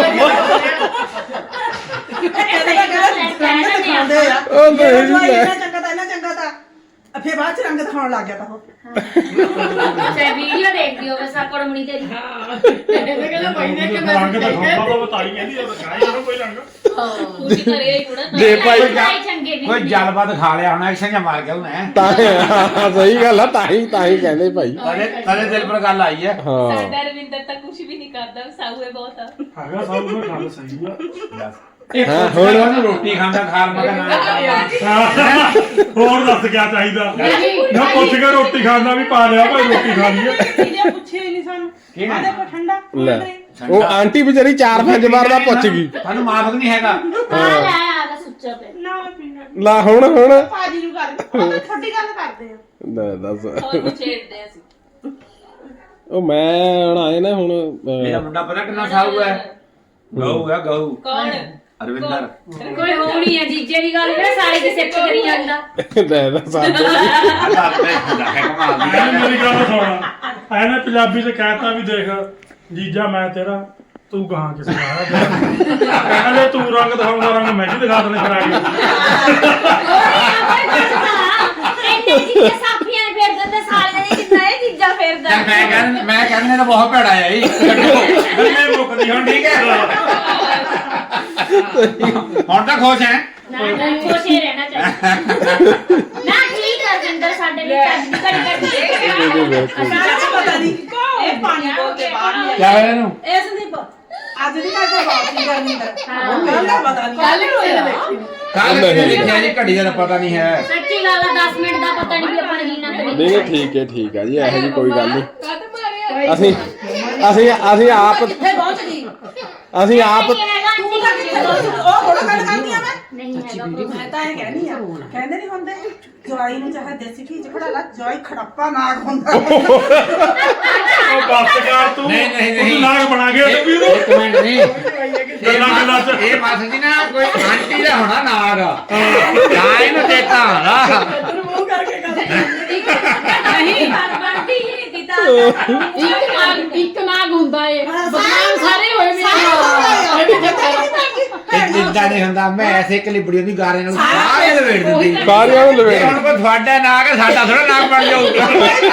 ਦਿਖਾਉਂਦੇ ਆ
ਉਹ ਨਹੀਂ
ਜਵਾਈ
ਲੈ।
ਇੰਨਾ ਚੰਗਾ ਤਾਂ ਇੰਨਾ ਚੰਗਾ ਤਾਂ ਫੇਰ ਬਾਅਦ ਚ ਰੰਗ ਦਿਖਾਉਣ ਲੱਗ ਗਿਆ ਤਾਂ ਉਹ
ਚਾਹੇ ਵੀਡੀਓ ਦੇਖਦੀ ਹੋਵੇ ਸਾਕੜਮਣੀ ਤੇਰੀ
ਇਹਨੇ ਕਹਿੰਦਾ ਭਾਈ ਨੇ ਕਿ ਮੈਂ
ਰੰਗ ਤਾਂ ਖਾਂਦਾ ਤਾਂ ਬਤਾਈ ਕਹਿੰਦੀ ਉਹ ਦਿਖਾਈ ਇਹਨੂੰ ਕੋਈ ਰੰਗ
ਪੂਰੀ ਕਰੇ ਹੀ ਥੋੜਾ
ਜੇ ਭਾਈ
ਭਾਈ ਚੰਗੇ ਵੀ
ਕੋਈ ਜਲਬਤ ਖਾ ਲਿਆ ਹੋਣਾ ਐਕਸ਼ਨ ਜਾਂ ਮਾਰ ਗਿਆ ਉਹਨੇ
ਤਾਂ ਹਾਂ, ਸਹੀ ਗੱਲ ਆ ਤਾਂ ਹੀ ਤਾਂ ਹੀ ਕਹਿੰਦੇ ਭਾਈ
ਤਦੇ ਤਦੇ ਦਿਲ ਪਰ ਗੱਲ ਆਈ ਹੈ
ਹਾਂ
ਸਾਡਾ ਰਵਿੰਦਰ ਤਾਂ ਕੁਝ ਵੀ ਨਹੀਂ ਕਰਦਾ ਸਾਊ ਹੈ ਬਹੁਤ ਆ
ਹੈਗਾ ਸਭ ਨੂੰ ਗੱਲ ਸਹੀ ਆ
ਇਹ
ਹਾਂ,
ਹੁਣ ਉਹਨੂੰ ਰੋਟੀ ਖਾਂਦਾ ਖਾਲ ਮਗਾ ਨਾ
ਹੋਰ ਦੱਸ ਕਿਆ ਚਾਹੀਦਾ ਨਾ ਪੁੱਛ ਕੇ ਰੋਟੀ ਖਾਣਾ ਵੀ ਪਾ ਲਿਆ ਭਾਈ ਰੋਟੀ ਖਾਣੀ ਹੈ
ਇਹਨੇ ਪੁੱਛਿਆ ਹੀ ਨਹੀਂ ਸਾਨੂੰ
ਕਿਹਨੇ?
ਆ ਦੇਖੋ ਠੰਡਾ
ਲੈ ਉਹ ਆਂਟੀ ਵਿਚਾਰੀ ਚਾਰ ਪੰਜ ਵਾਰ ਦਾ ਪੁੱਛ ਗਈ
ਤੁਹਾਨੂੰ ਮਾਫਕ ਨਹੀਂ ਹੈਗਾ
ਆ ਲੈ ਆ ਦਾ ਸੁੱਚਾ ਪੇ
ਨਾ ਮੈਂ ਪੀਣਾ
ਲਾ ਹੁਣ ਹੁਣ
ਭਾਜੀ ਨੂੰ ਕਰ ਉਹ ਛੋਟੀ ਗੱਲ ਕਰਦੇ ਆ
ਲੈ ਦੱਸ
ਹੋਰ ਨੂੰ ਛੇੜਦੇ ਅਸੀਂ
ਉਹ ਮੈਂ ਹੁਣ ਆਏ ਨਾ ਹੁਣ
ਮੇਰਾ ਮੁੰਡਾ ਪਤਾ ਕਿੰਨਾ ਸਾਊ ਹੈ ਗਊ ਹੈ ਗਊ
ਕੌਣ
ਅਰਵਿੰਦਰ
ਕੋਈ ਹੋਣੀ ਆ ਜੀਜੇ ਦੀ ਗੱਲ ਕਿਹੜਾ ਸਾਰੇ ਦੀ ਸਿੱਖ ਕਰੀ ਜਾਂਦਾ
ਲੈ ਦੱਸ
ਦੱਸਦੇ ਹੁੰਦਾ ਹੈ ਕਮਾਲ ਦੀ
ਐਨੇ
ਗੱਲ ਹੈ।
ਮੇਰੀ ਗੱਲ ਸੁਣ ਐਨੇ ਪੰਜਾਬੀ ਚ ਕਹਿਤਾ ਵੀ ਦੇਖ ਜੀਜਾ ਮੈਂ ਤੇਰਾ ਤੂੰ ਗਾਂ ਕਿਸੇ ਦਾ ਕਹਿੰਦੇ ਤੂੰ ਰੰਗ ਦਿਖਾਉਂਦਾ ਰੰਗ ਮੈਂ ਵੀ ਦਿਖਾ ਦੇਣੇ ਫਿਰ ਆ ਕੇ
ਇੰਨੇ ਜੀਜੇ ਸਾਫੀਆਂ ਨੇ ਫੇਰ ਦਿੰਦੇ ਸਾਲਿਆਂ ਨੇ ਜਿੰਨਾ ਇਹ ਜੀਜਾ ਫੇਰਦਾ
ਚੱਲ ਮੈਂ ਕਹਿੰਦਾ ਮੈਂ ਕਹਿੰਦਾ ਤਾਂ ਬਹੁਤ ਭੈੜਾ ਹੈ ਜੀ ਗੱਲੇ ਮੁੱਕਦੀ ਹੁਣ ਠੀਕ ਹੈ ਹੁਣ ਤਾਂ ਖੁਸ਼ ਹੈ
ਨਾ ਨਾ ਖੁਸ਼ ਹੀ ਰਹਿਣਾ ਚਾਹੀਦਾ ਨਾ ਠੀਕ ਆ ਜਿੰਦਰ ਸਾਡੇ ਲਈ ਅੱਜ ਕੜੀ ਕੜੀ
ਸਾਨੂੰ ਪਤਾ ਨਹੀਂ ਇਹ ਪਾਣੀ ਬੋਲ ਕੇ ਬਾਹਰ ਨਹੀਂ
ਕਿਆ ਹੋਇਆ ਇਹਨੂੰ
ਆਇਆ। ਇਸ ਨਹੀਂ ਅੱਜ ਦੀ ਗੱਲ ਤਾਂ ਬਾਤ ਹੀ ਕਰਨੀ ਹੈ ਕੱਲ ਦਾ ਪਤਾ ਨਹੀਂ
ਕੱਲ ਨੂੰ ਹੋਇਆ ਦੇਖੀ
ਕੱਲ ਕਿਹਨੇ ਲਿਖਿਆ ਜੀ ਘੜੀ ਦਾ ਪਤਾ ਨਹੀਂ ਹੈ
ਸੱਚੀ ਗੱਲ ਆ ਦਸ ਮਿੰਟ ਦਾ ਪਤਾ ਨਹੀਂ ਵੀ ਆਪਾਂ ਨੇ ਜੀਣਾ ਤੇ
ਨਹੀਂ ਨਹੀਂ ਠੀਕ ਹੈ ਠੀਕ ਹੈ ਜੀ ਇਹੋ ਜੀ ਕੋਈ ਗੱਲ ਨਹੀਂ
ਕਦ ਮਾਰਿਆ
ਅਸੀਂ ਅਸੀਂ ਅਸੀਂ ਆਪ
ਕਿੱਥੇ ਪਹੁੰਚ ਗਈ
ਅਸੀਂ ਆਪ
ਨਹੀਂ ਹੈਗਾ
ਤੂੰ ਤਾਂ ਕਿੱਥੇ ਪਹੁੰਚ ਉਹ ਥੋੜਾ ਗੱਲ ਕਰਦੀ ਆ ਮੈਂ
ਨਹੀਂ ਹੈਗਾ proof।
ਮੈਂ ਤਾਂ ਇਹ ਕਹਿਣੀ ਆ ਕਹਿੰਦੇ ਨਹੀਂ ਹੁੰਦੇ ਜਵਾਈ ਨੂੰ ਚਾਹੇ ਦੇਸੀ ਘੀ ਚ ਖੜਾ ਲਾ ਜਵਾਈ ਖੜੱਪਾ ਨਾਗ ਹੁੰਦਾ
ਉਹ ਬਸ ਕਰ ਤੂੰ
ਨਹੀਂ, ਨਹੀਂ,
ਤੂੰ
ਨਹੀਂ।
ਨਾਗ ਬਣਾ ਕੇ
ਇੱਕ
ਟੱਪੀ ਨੂੰ
ਇੱਕ ਮਿੰਟ ਨਹੀਂ
ਗੱਲਾਂ ਗੱਲਾਂ ਚ
ਇਹ ਮਾਸੀ ਜੀ ਨਾ ਕੋਈ ਆਂਟੀ ਦਾ ਹੋਣਾ ਨਾਗ ਨਾ ਇਹਨੂੰ ਚੇਤਾ ਹੋਣਾ
ਨਹੀਂ ਬਣਦੀ ਹੀ ਨਹੀਂ ਦਿੱਤਾ
ਇੱਕ ਨਾਗ ਇੱਕ ਨਾਗ ਹੁੰਦਾ ਏ ਬਦਨਾਮ ਸਾਰੇ ਹੋਏ ਮੇਰੇ
ਇਹ ਇਦਾਂ ਨਹੀਂ ਹੁੰਦਾ ਮੈਂ ਐਸੇ ਕਲਿਬੜੀ ਦੀ ਗਾਰੇ ਨਾਲ ਸਾਰੇ ਲਵੇੜ ਦਿੰਦੀ
ਸਾਰਿਆਂ ਨੂੰ ਲਵੇੜ
ਇਹ ਹੁਣ ਕੋਈ ਤੁਹਾਡਾ ਨਾਗ ਹੈ ਸਾਡਾ ਥੋੜਾ ਨਾਗ ਬਣ ਜਾਊਗਾ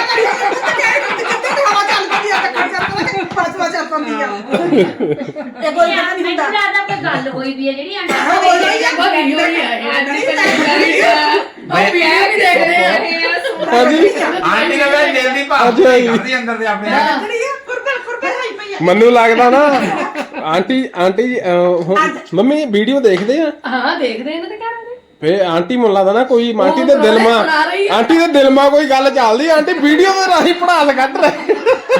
ਇਹ ਕੋਈ ਗੱਲ ਨਹੀਂ ਹੁੰਦਾ
ਮੈਨੂੰ ਲੱਗਦਾ ਕੋਈ ਗੱਲ ਹੋਈ ਵੀ ਹੈ ਜਿਹੜੀ ਆਂਟੀ
ਬੜੀ ਹੋਈ ਹੈ ਉਹ ਵੀ ਇਹ ਵੀ ਦੇਖ ਰਹੇ ਆ
ਹਾਂਜੀ
ਆਂਟੀ ਦਾ ਮੈਂ ਦਿਲ ਦੀ ਭਾਵ
ਅੱਛਾ ਜੀ।
ਕਰਦੀ ਅੰਦਰ ਦੇ ਆਪਣੇ
ਕੁਰਬਲ ਕੁਰਬਲ ਹਾਈ ਪਈ ਆ
ਮੈਨੂੰ ਲੱਗਦਾ ਨਾ ਆਂਟੀ ਆਂਟੀ ਜੀ, ਅਹ, ਹੁਣ- ਮੰਮੀ ਵੀਡੀਓ ਦੇਖਦੇ ਆ
ਹਾਂ ਦੇਖਦੇ ਇਹਨਾਂ ਦੇ ਘਰ ਦੇ
ਫੇ ਆਂਟੀ ਮੈਨੂੰ ਲੱਗਦਾ ਨਾ ਕੋਈ ਆਂਟੀ ਦੇ ਦਿਲ ਮਾ
ਸੁਣਾ ਰਹੀ ਆ।
ਆਂਟੀ ਦੇ ਦਿਲ ਮਾ ਕੋਈ ਗੱਲ ਚੱਲਦੀ ਆਂਟੀ ਵੀਡੀਓ ਦੇ ਰਾਹੀਂ ਪੜਾਸ ਕੱਢ ਰਹੇ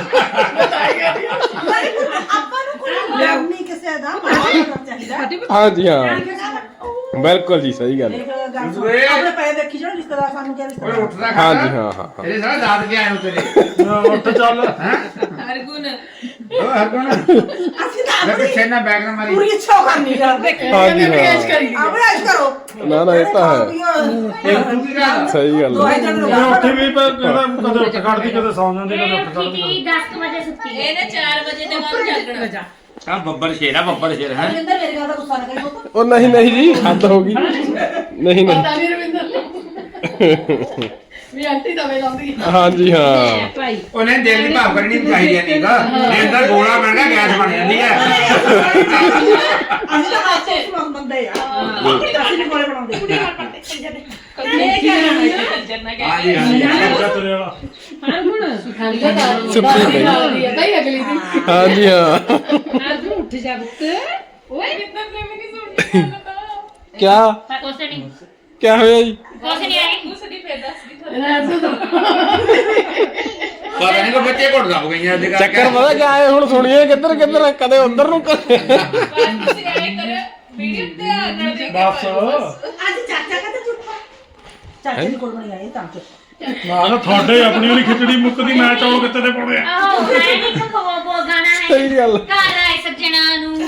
ਆਪਾਂ ਨੂੰ ਕੋਈ ਲੋੜ ਨਹੀਂ ਕਿਸੇ ਦਾ ਮਾਰਨਾ ਚਾਹੀਦਾ
ਹਾਂਜੀ ਹਾਂ ਬਿਲਕੁਲ ਜੀ ਸਹੀ ਗੱਲ ਹੈ।
ਦੇਖ ਗੱਲ ਸੁਣ ਆਪਣੇ ਪੈਸੇ ਦੇਖੀ ਜਾਓ ਰਿਸ਼ਤੇਦਾਰ ਸਾਨੂੰ ਕਿਹਾ
ਓਏ
ਰਿਸ਼ਤੇਦਾਰ
ਉੱਠਦਾ ਖਾ
ਹਾਂਜੀ ਹਾਂ ਹਾਂ ਹਾਂ।
ਤੇਰੇ ਸਾਰਾ ਦਾਦ ਕੇ ਆਏ ਨੂੰ ਤੇਰੇ
ਉੱਠ ਚੱਲ
ਹੈ
ਹਰਗੁਣ
ਉਹ ਹਰਗੁਣ
ਅਸੀਂ ਤਾਂ
ਮੈਂ ਪਿੱਛੇ ਨਾ ਬੈਗ ਨਾ ਮਾਰੀ
ਪੂਰੀ ਇੱਛਾ ਕਰਨੀ ਯਾਰ
ਹਾਂਜੀ ਹਾਂ
ਅਭਿਆਸ ਕਰੋ
ਨਾ ਨਾ ਇਹ ਤਾਂ ਹੈ
ਇਹ ਤੂੰ ਕੀ ਕਰ
ਸਹੀ ਗੱਲ
ਦੋਏ
ਹੈ
ਜਣ
ਮੈਂ ਉੱਥੇ ਵੀ ਪਰ ਕਦੇ ਕਦੇ ਉੱਠ ਖੜਦੀ ਕਦੇ ਸੌਂ ਜਾਂਦੀ ਕਦੇ
ਇਹ
ਉੱਠ
ਉੱਠੀ
ਖੜਦੀ
ਤੀ ਦਸ ਕੁ ਵਜੇ ਸੁੱਤੀ ਹੈ
ਇਹਨੇ ਚਾਰ ਵਜੇ ਦੇ ਬਾਅਦ ਜਾਗਣਾ
ਆ ਬੱਬਰ ਸ਼ੇਰ ਆ ਬੱਬਰ ਸ਼ੇਰ ਹੈ
ਰਵਿੰਦਰ ਮੇਰੇ ਗੱਲ ਦਾ ਗੁੱਸਾ ਨਾ ਕਰੀ ਪੁੱਤ
ਉਹ ਨਹੀਂ ਨਹੀਂ ਜੀ ਹੱਦ ਹੋ ਗਈ ਨਹੀਂ ਨਹੀਂ
ਪਤਾ ਨਹੀਂ ਰਵਿੰਦਰ ਵੀ ਆਂਟੀ ਦਵੇ ਲਾਉਂਦੀ ਹੈ
ਹਾਂਜੀ ਹਾਂ
ਭਾਈ
ਉਹਨੇ ਦਿਲ ਦੀ ਭਾਵ ਕਰਨੀ ਚਾਹੀਦੀ ਨਹੀਂਗਾ ਇਹ ਤਾਂ ਗੋਲਾ ਬਣ ਗਿਆ ਗੈਸ ਬਣ ਜਾਂਦੀ ਹੈ
ਅਸੀਂ ਤਾਂ ਹਾਸੇ ਇਸ ਬੰਦੇ ਆ ਅਸੀਂ ਨਹੀਂ ਕੋਲੇ ਬਣਾਉਂਦੇ ਕੁੜੀ ਨਾਲ ਪੜਦੇ ਕੰਜਰ ਦੇ
ਹਾਂਜੀ ਹਾਂਜੀ
ਤੇਰੇ ਵਾਲਾ
ਹਾਂ ਹੁਣ ਸਿਖਾਉਂਦਾ ਤਾਂ
ਸੁੱਤੀ ਪਈ।
ਲਾਉਂਦੀ ਹੈ ਭਾਈ ਅਗਲੀ ਦਿਨ
ਹਾਂਜੀ ਹਾਂ
ਅੱਜ ਨੂੰ ਉੱਠ ਜਾ ਪੁੱਤ ਓਏ
ਕਿੰਨਾ ਪ੍ਰੇਮੀ ਦੀ ਸੁਣਨੀ ਆ
ਕਿਆ
ਕੁਛ ਨਹੀਂ
ਕਿਆ ਹੋਇਆ ਜੀ
ਕੁਛ ਨਹੀਂ ਆਈ
ਉਸ ਦੀ ਫੇਰ ਦੱਸਦੀ ਤੁਹਾਨੂੰ
ਪਤਾ ਨਹੀਂ ਕੋ ਬੱਚੇ ਘੁੱਟ ਦਬ ਗਈਆਂ ਅੱਜ
ਚੱਕਰ ਪਤਾ ਕਿਆ ਹੈ ਹੁਣ ਸੁਣੀਏ ਕਿੱਧਰ ਕਿੱਧਰ ਕਦੇ ਉਧਰ ਨੂੰ ਕਦੇ
ਬਸ ਤੁਸੀਂ ਐ ਕਰਿਓ ਵੀਡੀਓ ਤੇ ਆ ਨਾਲ ਦੇ
ਬਸ
ਅੱਜ ਚਾਚਾ ਕਹਿੰਦਾ ਚੁੱਪ ਚਾਚੇ ਦੀ ਕੋਲ ਬਣੀ ਆਈ ਤਾਂ ਚੁੱਪ
ਨਾ ਨਾ ਤੁਹਾਡੇ ਆਪਣੀ ਵਾਲੀ ਖਿਚੜੀ ਮੁੱਕਦੀ ਮੈਂ ਚੌਲ ਕਿੱਥੇ ਦੇ ਪਾਉਣੇ ਆ
ਆਹੋ ਹੈ ਨਹੀਂ ਕੋ ਬੋ ਗਾਣਾ ਹੈ
ਸਹੀ ਗੱਲ
ਘਰ ਆਏ ਸੱਜਣਾ ਨੂੰ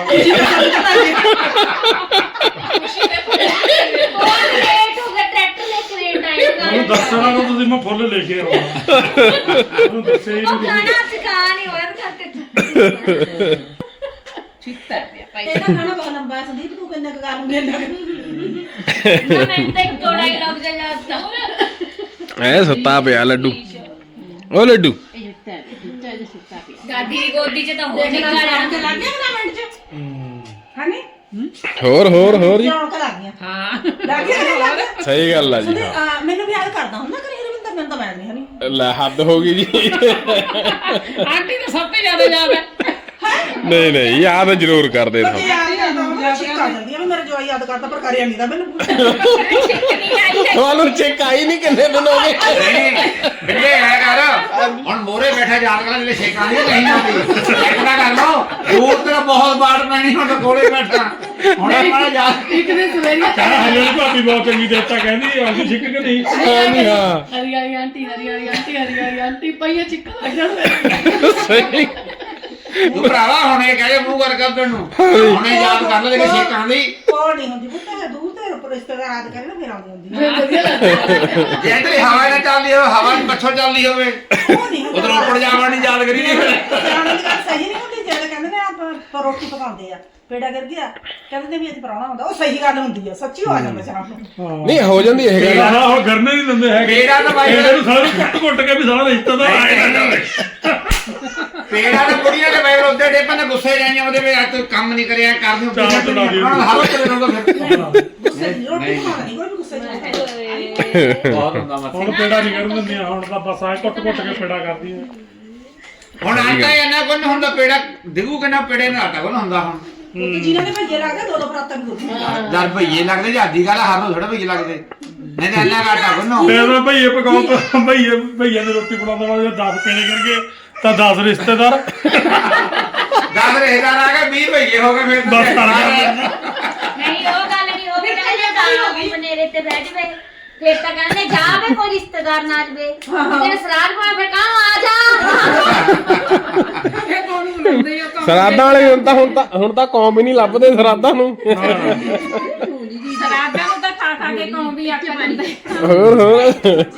ਖੁਸ਼ੀ ਦੇ ਫੁੱਲ
ਬਹੁਤ ਲੇਟ ਹੋ ਗਿਆ ਟਰੈਕਟਰ ਲੈ ਕੇ ਲੇਟ ਆਏ
ਉਹਨੂੰ ਦੱਸਣਾ ਤਾਂ ਤੁਸੀਂ ਮੈਂ ਫੁੱਲ ਲੈ ਕੇ ਆਉਣਾ ਉਹਨੂੰ ਦੱਸਿਆ ਹੀ
ਉਹ
ਨਹੀਂ
ਗਾਣਾ ਸਿਖਾ ਨਹੀਂ ਹੋਇਆ ਕਰਕੇ
ਚਿੱਤਾ ਪਿਆ ਭਾਈ
ਇਹਦਾ ਖਾਣਾ ਬਹੁਤ ਲੰਬਾ ਹੈ ਸੰਦੀਪ ਤੂੰ ਕਿੰਨੇ ਕੁ ਕਰ ਲੂੰਗੇ
ਨਾ ਮੈਂ ਤਾਂ ਇੱਕ ਡਾਇਲੌਗ ਜਿਹਾ ਯਾਦ ਤਾਂ
ਐ ਸੁੱਤਾ ਪਿਆ ਲੱਡੂ ਉਹ ਲੱਡੂ
ਇਹ ਚਿੱਤਾ ਚਿੱਤਾ ਜਿਹਾ ਸੁੱਤਾ ਪਿਆ
ਦਾਦੀ ਦੀ ਗੋਦੀ 'ਚ ਤਾਂ ਹੋ
ਦੇਖਣਾ
ਨਿਕਲ
ਜਾਣ ਕੇ
ਜਾਣਾ
ਲੱਗ ਗਿਆ ਨਾ ਮਿੰਟ ਚ ਹਾਨੀ
ਹੋਰ ਹੋਰ ਹੋਰ ਜੀ
ਜਾਣ ਕੇ ਲੱਗ ਗਿਆ
ਹਾਂ
ਲੱਗ ਗਿਆ ਕਿ ਨਹੀਂ ਲੱਗ ਗਿਆ
ਸਹੀ ਗੱਲ ਆ ਜੀ
ਸੁਣੀ,
ਹਾਂ
ਅਹ, ਮੈਨੂੰ ਵੀ ਯਾਦ ਕਰਦਾ ਹੁੰਦਾ ਕਰੀ ਰਵਿੰਦਰ ਮੈਨੂੰ ਤਾਂ ਮੈਂ ਨਹੀਂ ਹਨੀ
ਲੈ ਹੱਦ ਹੋ ਗਈ ਜੀ
ਆਂਟੀ ਤਾਂ ਸਭ ਤੋਂ ਜ਼ਿਆਦਾ ਯਾਦ ਹੈ
ਨਹੀਂ ਨਹੀਂ ਯਾਦ ਜ਼ਰੂਰ ਕਰਦੇ
ਪਰ
ਸਭ
ਜੇ ਯਾਦ ਨਹੀਂ ਕਰਦਾ ਹੁੰਦਾ ਛਿੱਕ ਆ ਜਾਂਦੀ ਆ ਵੀ ਮੇਰਾ ਜਵਾਈ ਯਾਦ ਕਰਦਾ ਪਰ ਕਰਿਆ ਨਹੀਂ ਦਾ ਮੈਨੂੰ
ਨਹੀਂ ਆਈ ਹੈ
ਤੁਹਾਨੂੰ ਚੈੱਕ ਆਈ ਨਹੀਂ ਕਿੰਨੇ ਦਿਨ ਹੋ ਗਏ
ਨਹੀਂ ਬਿੱਲੇ ਐ ਕਰ ਹੁਣ ਮੋਰੇ ਬੈਠਾ ਯਾਦ ਕਰ ਲੈ ਸ਼ੇਕਾਂ ਦੀ ਨਹੀਂ ਆਉਂਦੀ ਸ਼ੇਕਣਾ ਕਰ ਲੋ ਦੂਰ ਤੇ ਬਹੁਤ ਬਾੜ ਪੈਣੀ ਹੁਣ ਤਾਂ ਕੋਲੇ ਬੈਠਾ ਹੁਣ ਆਪਣਾ ਯਾਦ
ਇੱਕ ਦਿਨ ਸਵੇਰੇ
ਕਹਿੰਦਾ ਹਲੇ ਵਾਲੀ ਭਾਬੀ ਬਹੁਤ ਚੰਗੀ ਦੇਤਾ ਕਹਿੰਦੀ ਆਉਂਦੀ ਛਿੱਕ ਕਿ ਨਹੀਂ
ਹਾਂ ਨਹੀਂ ਹਾਂ
ਹਰੀ ਹਰੀ ਆਂਟੀ ਹਰੀ ਹਰੀ ਆਂਟੀ ਹਰੀ ਹਰੀ ਆਂਟੀ ਪਈਆ ਚਿੱਕਾ ਲੱਗ ਜਾਣਾ
ਸਹੀ
ਤੂੰ ਭਰਾਵਾ ਹੁਣ ਇਹ ਕਹੇ ਮੂੰਹ ਕਰ ਕਰ ਤੈਨੂੰ ਹੁਣੇ ਯਾਦ ਕਰ ਲੈ ਕਿ ਸ਼ੇਕਾਂ ਦੀ
ਕੋਲ ਨਹੀਂ ਹੁੰਦੀ ਪੁੱਤ ਹੈ ਦੂਰ ਤੇ ਉੱਪਰ ਰਿਸ਼ਤੇਦਾਰ ਯਾਦ ਕਰੇ ਨਾ ਫਿਰ ਆਉਂਦੀ ਹੁੰਦੀ
ਫਿਰ ਵਧੀਆ ਲੱਗਦਾ
ਜੇ ਤੇਰੀ ਹਵਾ ਨਾ ਚੱਲਦੀ ਹੋਵੇ ਹਵਾ ਨੂੰ ਪੱਛੋ ਚੱਲਦੀ ਹੋਵੇ
ਉਹ ਨਹੀਂ ਹੁੰਦਾ
ਉਧਰ ਉੱਪਰ ਜਾਵਣ ਨਹੀਂ ਯਾਦ ਕਰੀ ਨਹੀਂ
ਸਿਆਣੇ ਦੀ ਗੱਲ ਸਹੀ ਨਹੀਂ ਹੁੰਦੀ ਜਿਹੜੇ ਕਹਿੰਦੇ ਨੇ ਆਪ ਰੋਟੀ ਪਕਾਉਂਦੇ ਆ ਪੇੜਾ ਕਰ ਗਿਆ ਕਹਿੰਦੇ ਨੇ ਵੀ ਅੱਜ ਪਰਾਉਣਾ ਹੁੰਦਾ ਉਹ ਸਹੀ ਗੱਲ ਹੁੰਦੀ ਆ ਸੱਚੀ ਹੋ ਆ ਜਾਂਦਾ ਸ਼ਾਮ ਨੂੰ
ਨਹੀਂ ਹੋ ਜਾਂਦੀ ਇਹ ਗੱਲ
ਆਹ ਉਹ ਗਰਨੇ ਨਹੀਂ ਦਿੰਦੇ ਹੈਗੇ
ਪੇੜਾ ਤਾਂ ਬਾਈ
ਇਹਨੂੰ ਸਾਰੇ ਕੁੱਟ ਕੁੱਟ ਕੇ ਵੀ ਸਾਰਾ ਰਿਸ਼ਤੇਦਾਰ ਆਏ ਨਾ ਜਾਵੇ
ਪੇੜਾ ਤਾਂ ਬੁੜੀਆਂ ਦੇ ਬੈਰ ਉੱਤੇ ਡੇਪਾਂ ਨੇ ਗੁੱਸੇ ਜਾਈਆਂ ਉਹਦੇ ਵਿੱਚ ਅੱਜ ਤੂੰ ਕੰਮ ਨਹੀਂ ਕਰਿਆ ਕਰ ਦਿਓ
ਚਾਹ ਚਲਾ ਦਿਓ।
ਉਹਨਾਂ ਦਾ ਹਵਾ ਚਲੇ ਰਹੂਗਾ ਫਿਰ
ਗੁੱਸੇ ਦੀ ਰੋਟੀ ਪਕਾਉਣਾ ਨਹੀਂ ਕੋਈ ਵੀ ਗੁੱਸੇ ਚ
ਬਹੁਤ ਹੁੰਦਾ ਮੱਥੇ
ਹੁਣ ਪੇੜਾ ਨਹੀਂ ਕਰਨ ਦਿੰਦੀਆਂ ਹੁਣ ਤਾਂ ਬਸ ਆਏ ਕੁੱਟ ਕੁੱਟ ਕੇ ਪੇੜਾ ਕਰਦੀਆਂ
ਹੁਣ ਆਟਾ ਇਹਨਾਂ ਕੋਲ ਨਹੀਂ ਹੁੰਦਾ ਪੇੜਾ ਦਿਗੂ ਕਿੰਨਾ ਪੇੜੇ ਨਾਲ ਆਟਾ ਕੋਲ ਹੁੰਦਾ ਹੁਣ
ਕਿ ਜਿਨ੍ਹਾਂ ਦੇ ਭੱਜੇ ਲੱਗਦੇ ਦੋ ਦੋ ਪਰਾਤਾਂ ਵੀ ਦੁੱਧ
ਜਦ ਭਈਏ ਲੱਗਦੇ ਜਾਦੀ ਗੱਲ ਹਰ ਨੂੰ ਥੋੜਾ ਭਈਏ ਲੱਗਦੇ ਨਹੀਂ ਤਾਂ ਇੰਨਾ ਆਟਾ ਕੋਲ
ਤੇ ਉਹ ਭਈਏ ਪਕਾਉ ਭਈਏ ਭਈਏ ਨੇ ਰੋਟੀ ਬਣਾਉਂਦਾ ਵਾ ਜੇ ਦਸ ਪੇੜੇ ਕਰਕੇ ਤਾਂ ਦਸ ਰਿਸ਼ਤੇਦਾਰ
ਦਸ ਰਿਸ਼ਤੇਦਾਰ ਆ ਗਏ ਵੀਹ ਭਈਏ ਹੋ ਗਏ ਫਿਰ ਤਾਂ
ਬਸ ਤੜ ਗਿਆ
ਨਹੀਂ ਉਹ ਗੱਲ ਨਹੀਂ ਉਹ ਵੀ ਕਹਿੰਦੇ ਦਾਲ ਬਨੇਰੇ ਤੇ ਬਹਿ ਜਵੇ ਫਿਰ ਤਾਂ ਕਹਿੰਦੇ ਜਾ ਵੇ ਕੋਈ ਰਿਸ਼ਤੇਦਾਰ ਨਾ ਜਵੇ ਜਿਹੜੇ ਸਰਾਧ ਪਾ ਫਿਰ ਕਹਾਂ ਆ ਜਾ
ਇਹ ਕੌਣ ਬੁਲਾਉਂਦੇ ਆ
ਸਰਾਦਾਂ ਵਾਲੇ ਹੁਣ ਤਾਂ ਹੁਣ ਤਾਂ ਹੁਣ ਤਾਂ ਕੌਮ ਹੀ ਨਹੀਂ ਲੱਭਦੇ ਸਰਾਦਾਂ ਨੂੰ
ਸਰਾਦਾਂ ਨੂੰ ਤਾਂ ਖਾ ਖਾ ਕੇ ਕੌਂ ਵੀ ਅੱਖ ਪੈਂਦੇ
ਹੋਰ ਹੋਰ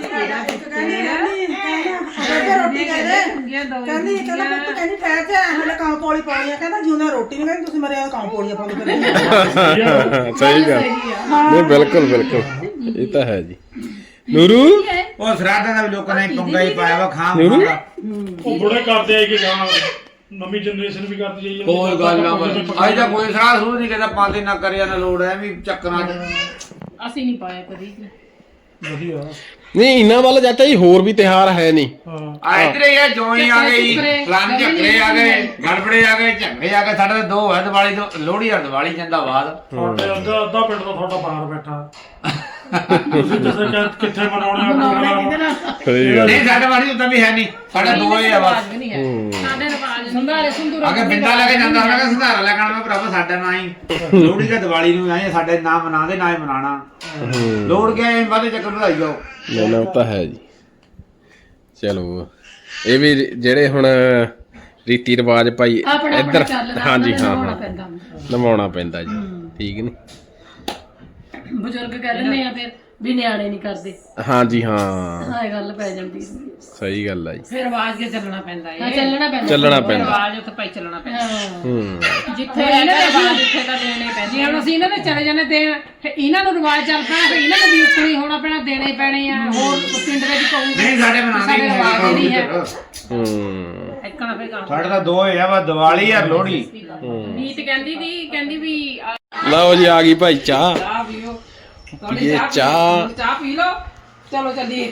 ਰੋਟੀ ਕਹਿੰਦੇ ਕਹਿੰਦੀ ਕਹਿੰਦਾ ਪੁੱਤ ਕਹਿੰਦੀ ਠਹਿਰ ਜਾ ਹਲੇ ਕਾਂ ਪੌੜੀ ਪਾਉਣੀ ਆ ਕਹਿੰਦਾ ਜਿਉਂ ਰੋਟੀ ਨਹੀਂ ਕਹਿੰਦੀ ਤੁਸੀਂ ਮਰੇ ਕਾਂ ਪੌੜੀਆਂ ਪਾਉਂਦੇ ਫਿਰ
ਸਹੀ ਗੱਲ ਨਹੀਂ ਬਿਲਕੁਲ ਬਿਲਕੁਲ ਇਹ ਤਾਂ ਹੈ ਜੀ ਨੂਰੂ
ਉਹ ਸਰਾਧਾਂ ਦਾ ਵੀ ਲੋਕਾਂ ਨੇ ਪੰਗਾ ਹੀ ਪਾਇਆ ਵਾ ਖਾਂ ਖਾਂਗਾ
ਉਹ ਬੁੜੇ ਕਰਦੇ ਆਏ ਕਿ ਗਾਣਾ ਨਵੀਂ ਜਨਰੇਸ਼ਨ ਵੀ ਕਰਦੀ ਜਾਈ ਜਾਂਦੀ
ਕੋਈ ਗੱਲ ਨਾ ਬਸ ਅੱਜ ਤਾਂ ਕੋਈ ਸਰਾਧ ਸੂਧ ਨਹੀਂ ਕਹਿੰਦਾ ਪਾਉਂਦੇ ਨਾ ਕਰਿਆ ਨਾ ਲੋੜ ਐ ਵੀ ਚੱਕਰਾਂ ਚ
ਅਸੀਂ ਨਹੀਂ ਪਾਇਆ ਕਦੀ
ਵਧੀਆ
ਨਹੀਂ ਇਹਨਾਂ ਵੱਲ ਚਾਚਾ ਜੀ ਹੋਰ ਵੀ ਤਿਉਹਾਰ ਹੈ ਨਹੀਂ
ਹਾਂ
ਆ ਇਧਰੇ ਇਹ ਜੋਈ ਆ ਗਈ ਫਲਾਨ ਝਗੜੇ ਆ ਗਏ ਗੜਬੜੇ ਆ ਗਏ ਝਗੜੇ ਆ ਗਏ ਸਾਡੇ ਤਾਂ ਦੋ ਹੈ ਦੀਵਾਲੀ ਤੋਂ ਲੋਹੜੀ ਔਰ ਦੀਵਾਲੀ ਜਾਂਦਾ ਬਾਅਦ
ਤੁਹਾਡੇ ਅੱਧਾ ਅੱਧਾ ਪਿੰਡ ਦਾ ਤੁਹਾਡਾ ਬਾਹਰ ਬੈਠਾ ਤੁਸੀਂ ਦੱਸੋ ਕਿ ਕਿੱਥੇ ਮਨਾਉਣੇ ਆ ਪ੍ਰੋਗਰਾਮ
ਸਹੀ ਗੱਲ
ਨਹੀਂ ਸਾਡੇ ਵਾਲੀ ਉਦਾਂ ਵੀ ਹੈ ਨਹੀਂ ਸਾਡੇ ਦੋ ਹੀ ਆ ਬਸ
ਸਾਡੇ ਰਿਵਾਜ ਸੰਧਾਰੇ ਸੰਧੂਰਾ
ਅਗੇ ਬਿੰਦਾ ਲੈ ਕੇ ਜਾਂਦਾ ਹੁੰਦਾ ਕਿ ਸੰਧਾਰਾ ਲੈ ਕੇ ਆਉਣਾ ਮੈਂ ਭਰਾਵਾ ਸਾਡਾ ਨਾ ਹੀ ਲੋਹੜੀ ਦਾ ਦੀਵਾਲੀ ਨੂੰ ਆਏ ਸਾਡੇ ਨਾ ਮਨਾਉਂਦੇ ਨਾ ਹੀ ਮਨਾਣਾ ਲੋੜ ਗਿਆ ਐ ਬਾਦੇ ਚੱਕਰ ਵਧਾਈ ਜਾਓ
ਲੈਣਾ ਤਾਂ ਹੈ ਜੀ ਚਲੋ ਇਹ ਵੀ ਜਿਹੜੇ ਹੁਣ ਰੀਤੀ ਰਿਵਾਜ ਭਾਈ
ਆਪਣਾ
ਇੱਧਰ
ਆਪਣਾ ਚੱਲਦਾ
ਹਾਂਜੀ ਹਾਂ
ਨਿਭਾਉਣਾ
ਹਾਂ
ਪੈਂਦਾ
ਨਿਭਾਉਣਾ ਪੈਂਦਾ ਜੀ ਠੀਕ ਨੀ
ਬਜ਼ੁਰਗ ਕਹਿ ਦਿੰਦੇ ਆ ਫਿਰ ਵੀ ਨਿਆਣੇ ਨਹੀਂ ਕਰਦੇ
ਹਾਂਜੀ ਹਾਂ
ਹਾਂ ਇਹ ਗੱਲ ਪੈ ਜਾਂਦੀ ਸੀ
ਸਹੀ ਗੱਲ ਆ ਜੀ
ਫਿਰ ਆਵਾਜ਼ ਕੇ ਚੱਲਣਾ ਪੈਂਦਾ
ਹਾਂ
ਏ
ਚੱਲਣਾ ਪੈਂਦਾ
ਚੱਲਣਾ ਪੈਂਦਾ
ਆਵਾਜ਼ ਉੱਥੇ ਭਾਈ ਚੱਲਣਾ ਪੈਂਦਾ
ਹਾਂ
ਹੂੰ
ਜਿੱਥੇ
ਇਹਨਾਂ
ਇਹਨਾਂ
ਦੇ
ਦੇ
ਆਵਾਜ਼ ਉੱਥੇ ਤਾਂ ਦੇਣੇ ਪੈਂਦੇ ਜੇ ਹੁਣ ਅਸੀਂ ਇਹਨਾਂ ਦੇ ਚਲੇ ਜਾਂਦੇ ਦੇਣ ਫਿਰ ਇਹਨਾਂ ਨੂੰ ਰਿਵਾਜ ਚੱਲ ਪੈਣਾ ਫਿਰ ਇਹਨਾਂ ਨੂੰ ਵੀ ਉੱਕਣੀ ਹੋਣਾ ਪੈਣਾ ਦੇਣੇ ਪੈਣੇ ਆ ਹੋਰ ਪਿੰਡ ਵਿੱਚ ਕਹੂਗੇ
ਨਹੀਂ ਸਾਡੇ ਬਣਾਉਂਦੇ
ਸਾਡੇ
ਨਹੀਂ
ਰਿਵਾਜ ਹੀ ਨਹੀਂ ਹੈ
ਹੂੰ
ਇੱਕਣਾ ਫੇ ਕੰਮ
ਸਾਡੇ ਤਾਂ ਦੋ ਹੈ ਵਾ ਦੀਵਾਲੀ ਆ ਲੋਹੜੀ
ਨੀਤ ਕਹਿੰਦੀ ਦੀ ਕਹਿੰਦੀ ਵੀ ਆ
ਲਓ ਜੀ ਆ ਗਈ ਭਾਈ ਚਾਹ
ਚਾਹ ਪੀਓ
ਪੀਏ ਚਾਹ
ਚਾਹ ਪੀ ਲਓ ਚਲੋ ਚੱਲੀਏ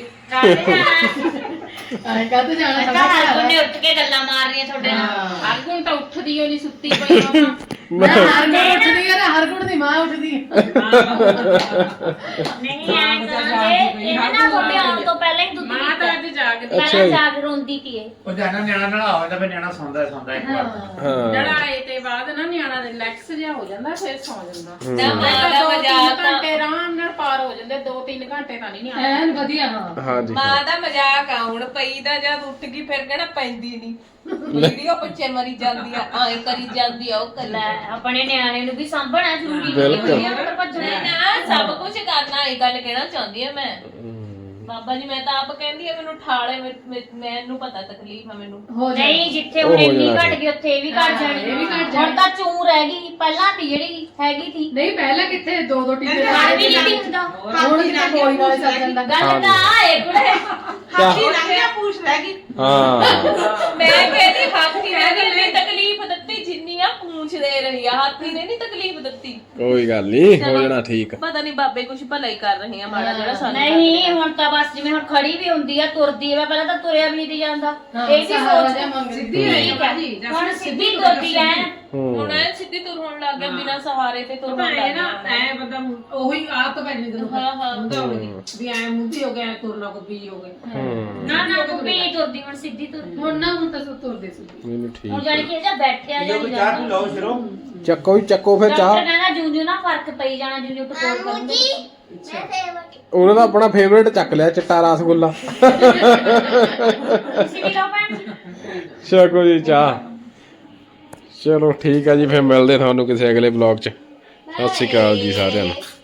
ਆਏ ਕਾਹਤੇ ਜਾਣਾ
ਘਰ ਕੋਨੇ ਉੱਠ ਕੇ ਗੱਲਾਂ ਮਾਰ ਰਹੀਆਂ ਤੁਹਾਡੇ ਨਾਲ
ਹਰ ਗੁਣ ਤਾਂ ਉੱਠਦੀ ਓ ਨਹੀਂ ਸੁੱਤੀ ਪਈ ਮਾਮਾ
ਮੈਂ ਹਰ ਗੁਣ ਉੱਠਦੀ ਹੈ ਨਾ ਹਰ ਗੁਣ ਦੀ ਮਾਂ ਉੱਠਦੀ ਹੈ
ਨਹੀਂ ਐ ਕਰਦੇ ਇਹ ਨਾ ਤੁਹਾਡੇ ਆਉਣ ਤੋਂ ਪਹਿਲਾਂ ਹੀ ਦੁੱਧ
ਮਾਂ ਤਾਂ ਅੱਜ ਜਾਗ
ਪਹਿਲਾਂ ਜਾਗ ਰੋਂਦੀ ਪੀਏ
ਉਹ ਜਾਨਾ ਨਿਆਣਾ ਨਾਲ ਹੋਵੇ ਤਾਂ ਫਿਰ ਨਿਆਣਾ ਸੌਂਦਾ ਹੀ ਸੌਂਦਾ ਇੱਕ ਵਾਰ
ਹਾਂ
ਲੜਾਈ ਤੇ ਬਾਅਦ ਨਾ ਨਿਆਣਾ ਰਿਲੈਕਸ ਜਿਹਾ ਹੋ ਜਾਂਦਾ ਫਿਰ ਸੌ ਜਾਂਦਾ
ਨਾ ਮਾਂ ਦਾ
ਦੋ ਤਿੰਨ
ਮਜ਼ਾਕ ਤਾਂ
ਘੰਟੇ ਆਰਾਮ ਨਾਲ ਪਾਰ ਹੋ ਜਾਂਦੇ ਦੋ ਤਿੰਨ ਘੰਟੇ ਤਾਂ ਨਹੀਂ ਨਿਆਣਾ
ਐਨ ਵਧੀਆ ਹਾਂ
ਹਾਂਜੀ
ਮਾਂ ਦਾ ਮਜ਼ਾਕ ਆ ਹੁਣ ਪਈ ਦਾ ਜਦ ਉੱਠ ਗਈ ਫਿਰ ਕਹਿਣਾ ਪੈਂਦੀ ਨਹੀਂ ਵੀਡੀਓ ਪਿੱਛੇ ਮਰੀ ਜਾਂਦੀ ਆ ਆਏ ਕਰੀ ਜਾਂਦੀ ਆ ਉਹ ਕਰੀ
ਲੈ ਆਪਣੇ ਨਿਆਣੇ ਨੂੰ ਵੀ ਸਾਂਭਣਾ ਜ਼ਰੂਰੀ
ਬਿਲਕੁਲ।
ਨਹੀਂ ਹੈ ਭੱਜਣਾ
ਨਾ ਸਭ ਕੁਝ ਕਰਨਾ ਇਹ ਗੱਲ ਕਹਿਣਾ ਚਾਹੁੰਦੀ ਆ ਮੈਂ ਬਾਬਾ ਜੀ ਮੈਂ ਤਾਂ ਆਪ ਕਹਿੰਦੀ ਆ ਮੈਨੂੰ ਠਾਲੇ ਮੈਨੂੰ ਪਤਾ ਤਕਲੀਫ ਆ ਮੈਨੂੰ
ਹੋ ਜਾ
ਨਹੀਂ ਜਿੱਥੇ
ਉਹ
ਹੁਣ
ਹੋ
ਇੰਨੀ
ਜਾਣਾ
ਘਟ ਗਈ ਉੱਥੇ ਇਹ ਵੀ ਘਟ ਜਾਣੀ
ਇਹ ਵੀ ਘੱਟ
ਹੁਣ
ਜਾਣੀ।
ਤਾਂ ਚੂੰ ਰਹਿ ਗਈ ਪਹਿਲਾਂ ਤੀ ਜਿਹੜੀ ਹੈਗੀ ਸੀ
ਨਹੀਂ ਪਹਿਲਾਂ ਕਿੱਥੇ ਦੋ ਦੋ ਟੀਕੇ
ਘਰ ਵੀ ਨਹੀਂ ਹੁੰਦਾ
ਹੁਣ ਕਿਤੇ ਗੋਲੀ ਨਾਲ ਚੱਲ ਜਾਂਦਾ
ਗੱਲ ਤਾਂ ਆਏ ਕੁੜੇ
ਹਾਥੀ ਲੰਘ ਗਿਆ ਪੂਛ ਰਹਿ ਗਈ
ਹਾਂ
ਮੈਂ ਕਹਿੰਦੀ ਹਾਥੀ ਨੇ ਜਿੰਨੀ ਤਕਲੀਫ ਦਿੱਤੀ ਜਿੰਨੀ ਆ ਪੂੰਛ ਦੇ ਰਹੀ ਆ ਹਾਥੀ ਨੇ ਨਹੀਂ ਤਕਲੀਫ ਦਿੱਤੀ
ਕੋਈ ਗੱਲ ਨਹੀਂ ਹੋ ਜਾਣਾ ਠੀਕ
ਪਤਾ ਨਹੀਂ ਬਾਬੇ ਕੁਝ ਭਲਾ ਹੀ ਕਰ ਰਹੇ ਆ ਮਾੜਾ ਜਿਹੜਾ ਸਾਨੂੰ
ਨਹੀਂ ਹੁਣ ਤਾਂ ਬਸ ਜਿਵੇਂ ਹੁਣ ਖੜੀ ਵੀ ਹੁੰਦੀ ਆ ਤੁਰਦੀ ਆ ਪਹਿਲਾਂ ਤਾਂ ਤੁਰਿਆ ਵੀ ਨਹੀਂ ਜਾਂਦਾ ਇਹ ਵੀ ਸੋਚ
ਸਿੱਧੀ
ਠੀਕ ਹੈ ਹੁਣ ਸਿੱਧੀ ਤੁਰਦੀ ਐ
ਹੁਣ ਐ ਸਿੱਧੀ ਤੁਰ ਹੋਣ ਲੱਗ ਗਿਆ ਬਿਨਾਂ ਸਹਾਰੇ ਤੇ ਤੁਰ
ਤਾਂ
ਹੋਣ
ਇਹ
ਲੱਗ
ਨਾ
ਗਿਆ
ਐ ਬੰਦਾ ਉਹੀ ਆਦਤ ਪੈ ਜਾਂਦੀ ਜਦੋਂ
ਹਾਂ ਹਾਂ
ਹੁੰਦਾ ਹੋਵੇ ਵੀ ਐ ਮੁੱਧੀ ਹੋ ਗਿਆ ਤੁਰਨਾ ਕੋ ਵੀ ਹੋ ਗਿਆ
ਨਾ ਨਾ ਕੁੱਪੀ ਨਹੀਂ ਤੁਰਦੀ ਹੁਣ ਸਿੱਧੀ ਤੁਰਦੀ
ਹੁਣ ਨਾ ਹੁਣ ਤਾਂ ਸੋ ਤੁਰਦੇ ਸਿੱਧੀ
ਮੈਨੂੰ
ਹੁਣ
ਠੀਕ
ਜਾਨੀ ਕਿ ਇਹ ਜਾਂ ਬੈਠਿਆ ਜਾਂ ਨਹੀਂ ਜਾਂਦਾ
ਲਓ ਸਿਰੋਂ
ਚੱਕੋ ਵੀ ਚੱਕੋ ਫਿਰ
ਡਾਕਟਰ
ਚਾਹ
ਕਹਿੰਦਾ ਜੂੰ ਜੂੰ ਨਾ ਫਰਕ ਪਈ ਜਾਣਾ ਜੂੰ ਜੂੰ ਟਕੋਰ ਕਰੂੰਗੇ
ਉਹਨਾਂ ਦਾ ਆਪਣਾ ਫੇਵਰੇਟ ਚੱਕ ਲਿਆ ਚਿੱਟਾ ਰਸਗੁੱਲਾ
ਤੁਸੀਂ ਵੀ ਲਓ ਭੈਣ ਜੀ
ਚੱਕੋ ਜੀ ਚਾਹ ਚਲੋ ਠੀਕ ਆ ਜੀ ਫਿਰ ਮਿਲਦੇ ਤੁਹਾਨੂੰ ਕਿਸੇ ਅਗਲੇ ਵਲੌਗ 'ਚ ਸਤਿ ਸ਼੍ਰੀ ਅਕਾਲ ਜੀ ਸਾਰਿਆਂ ਨੂੰ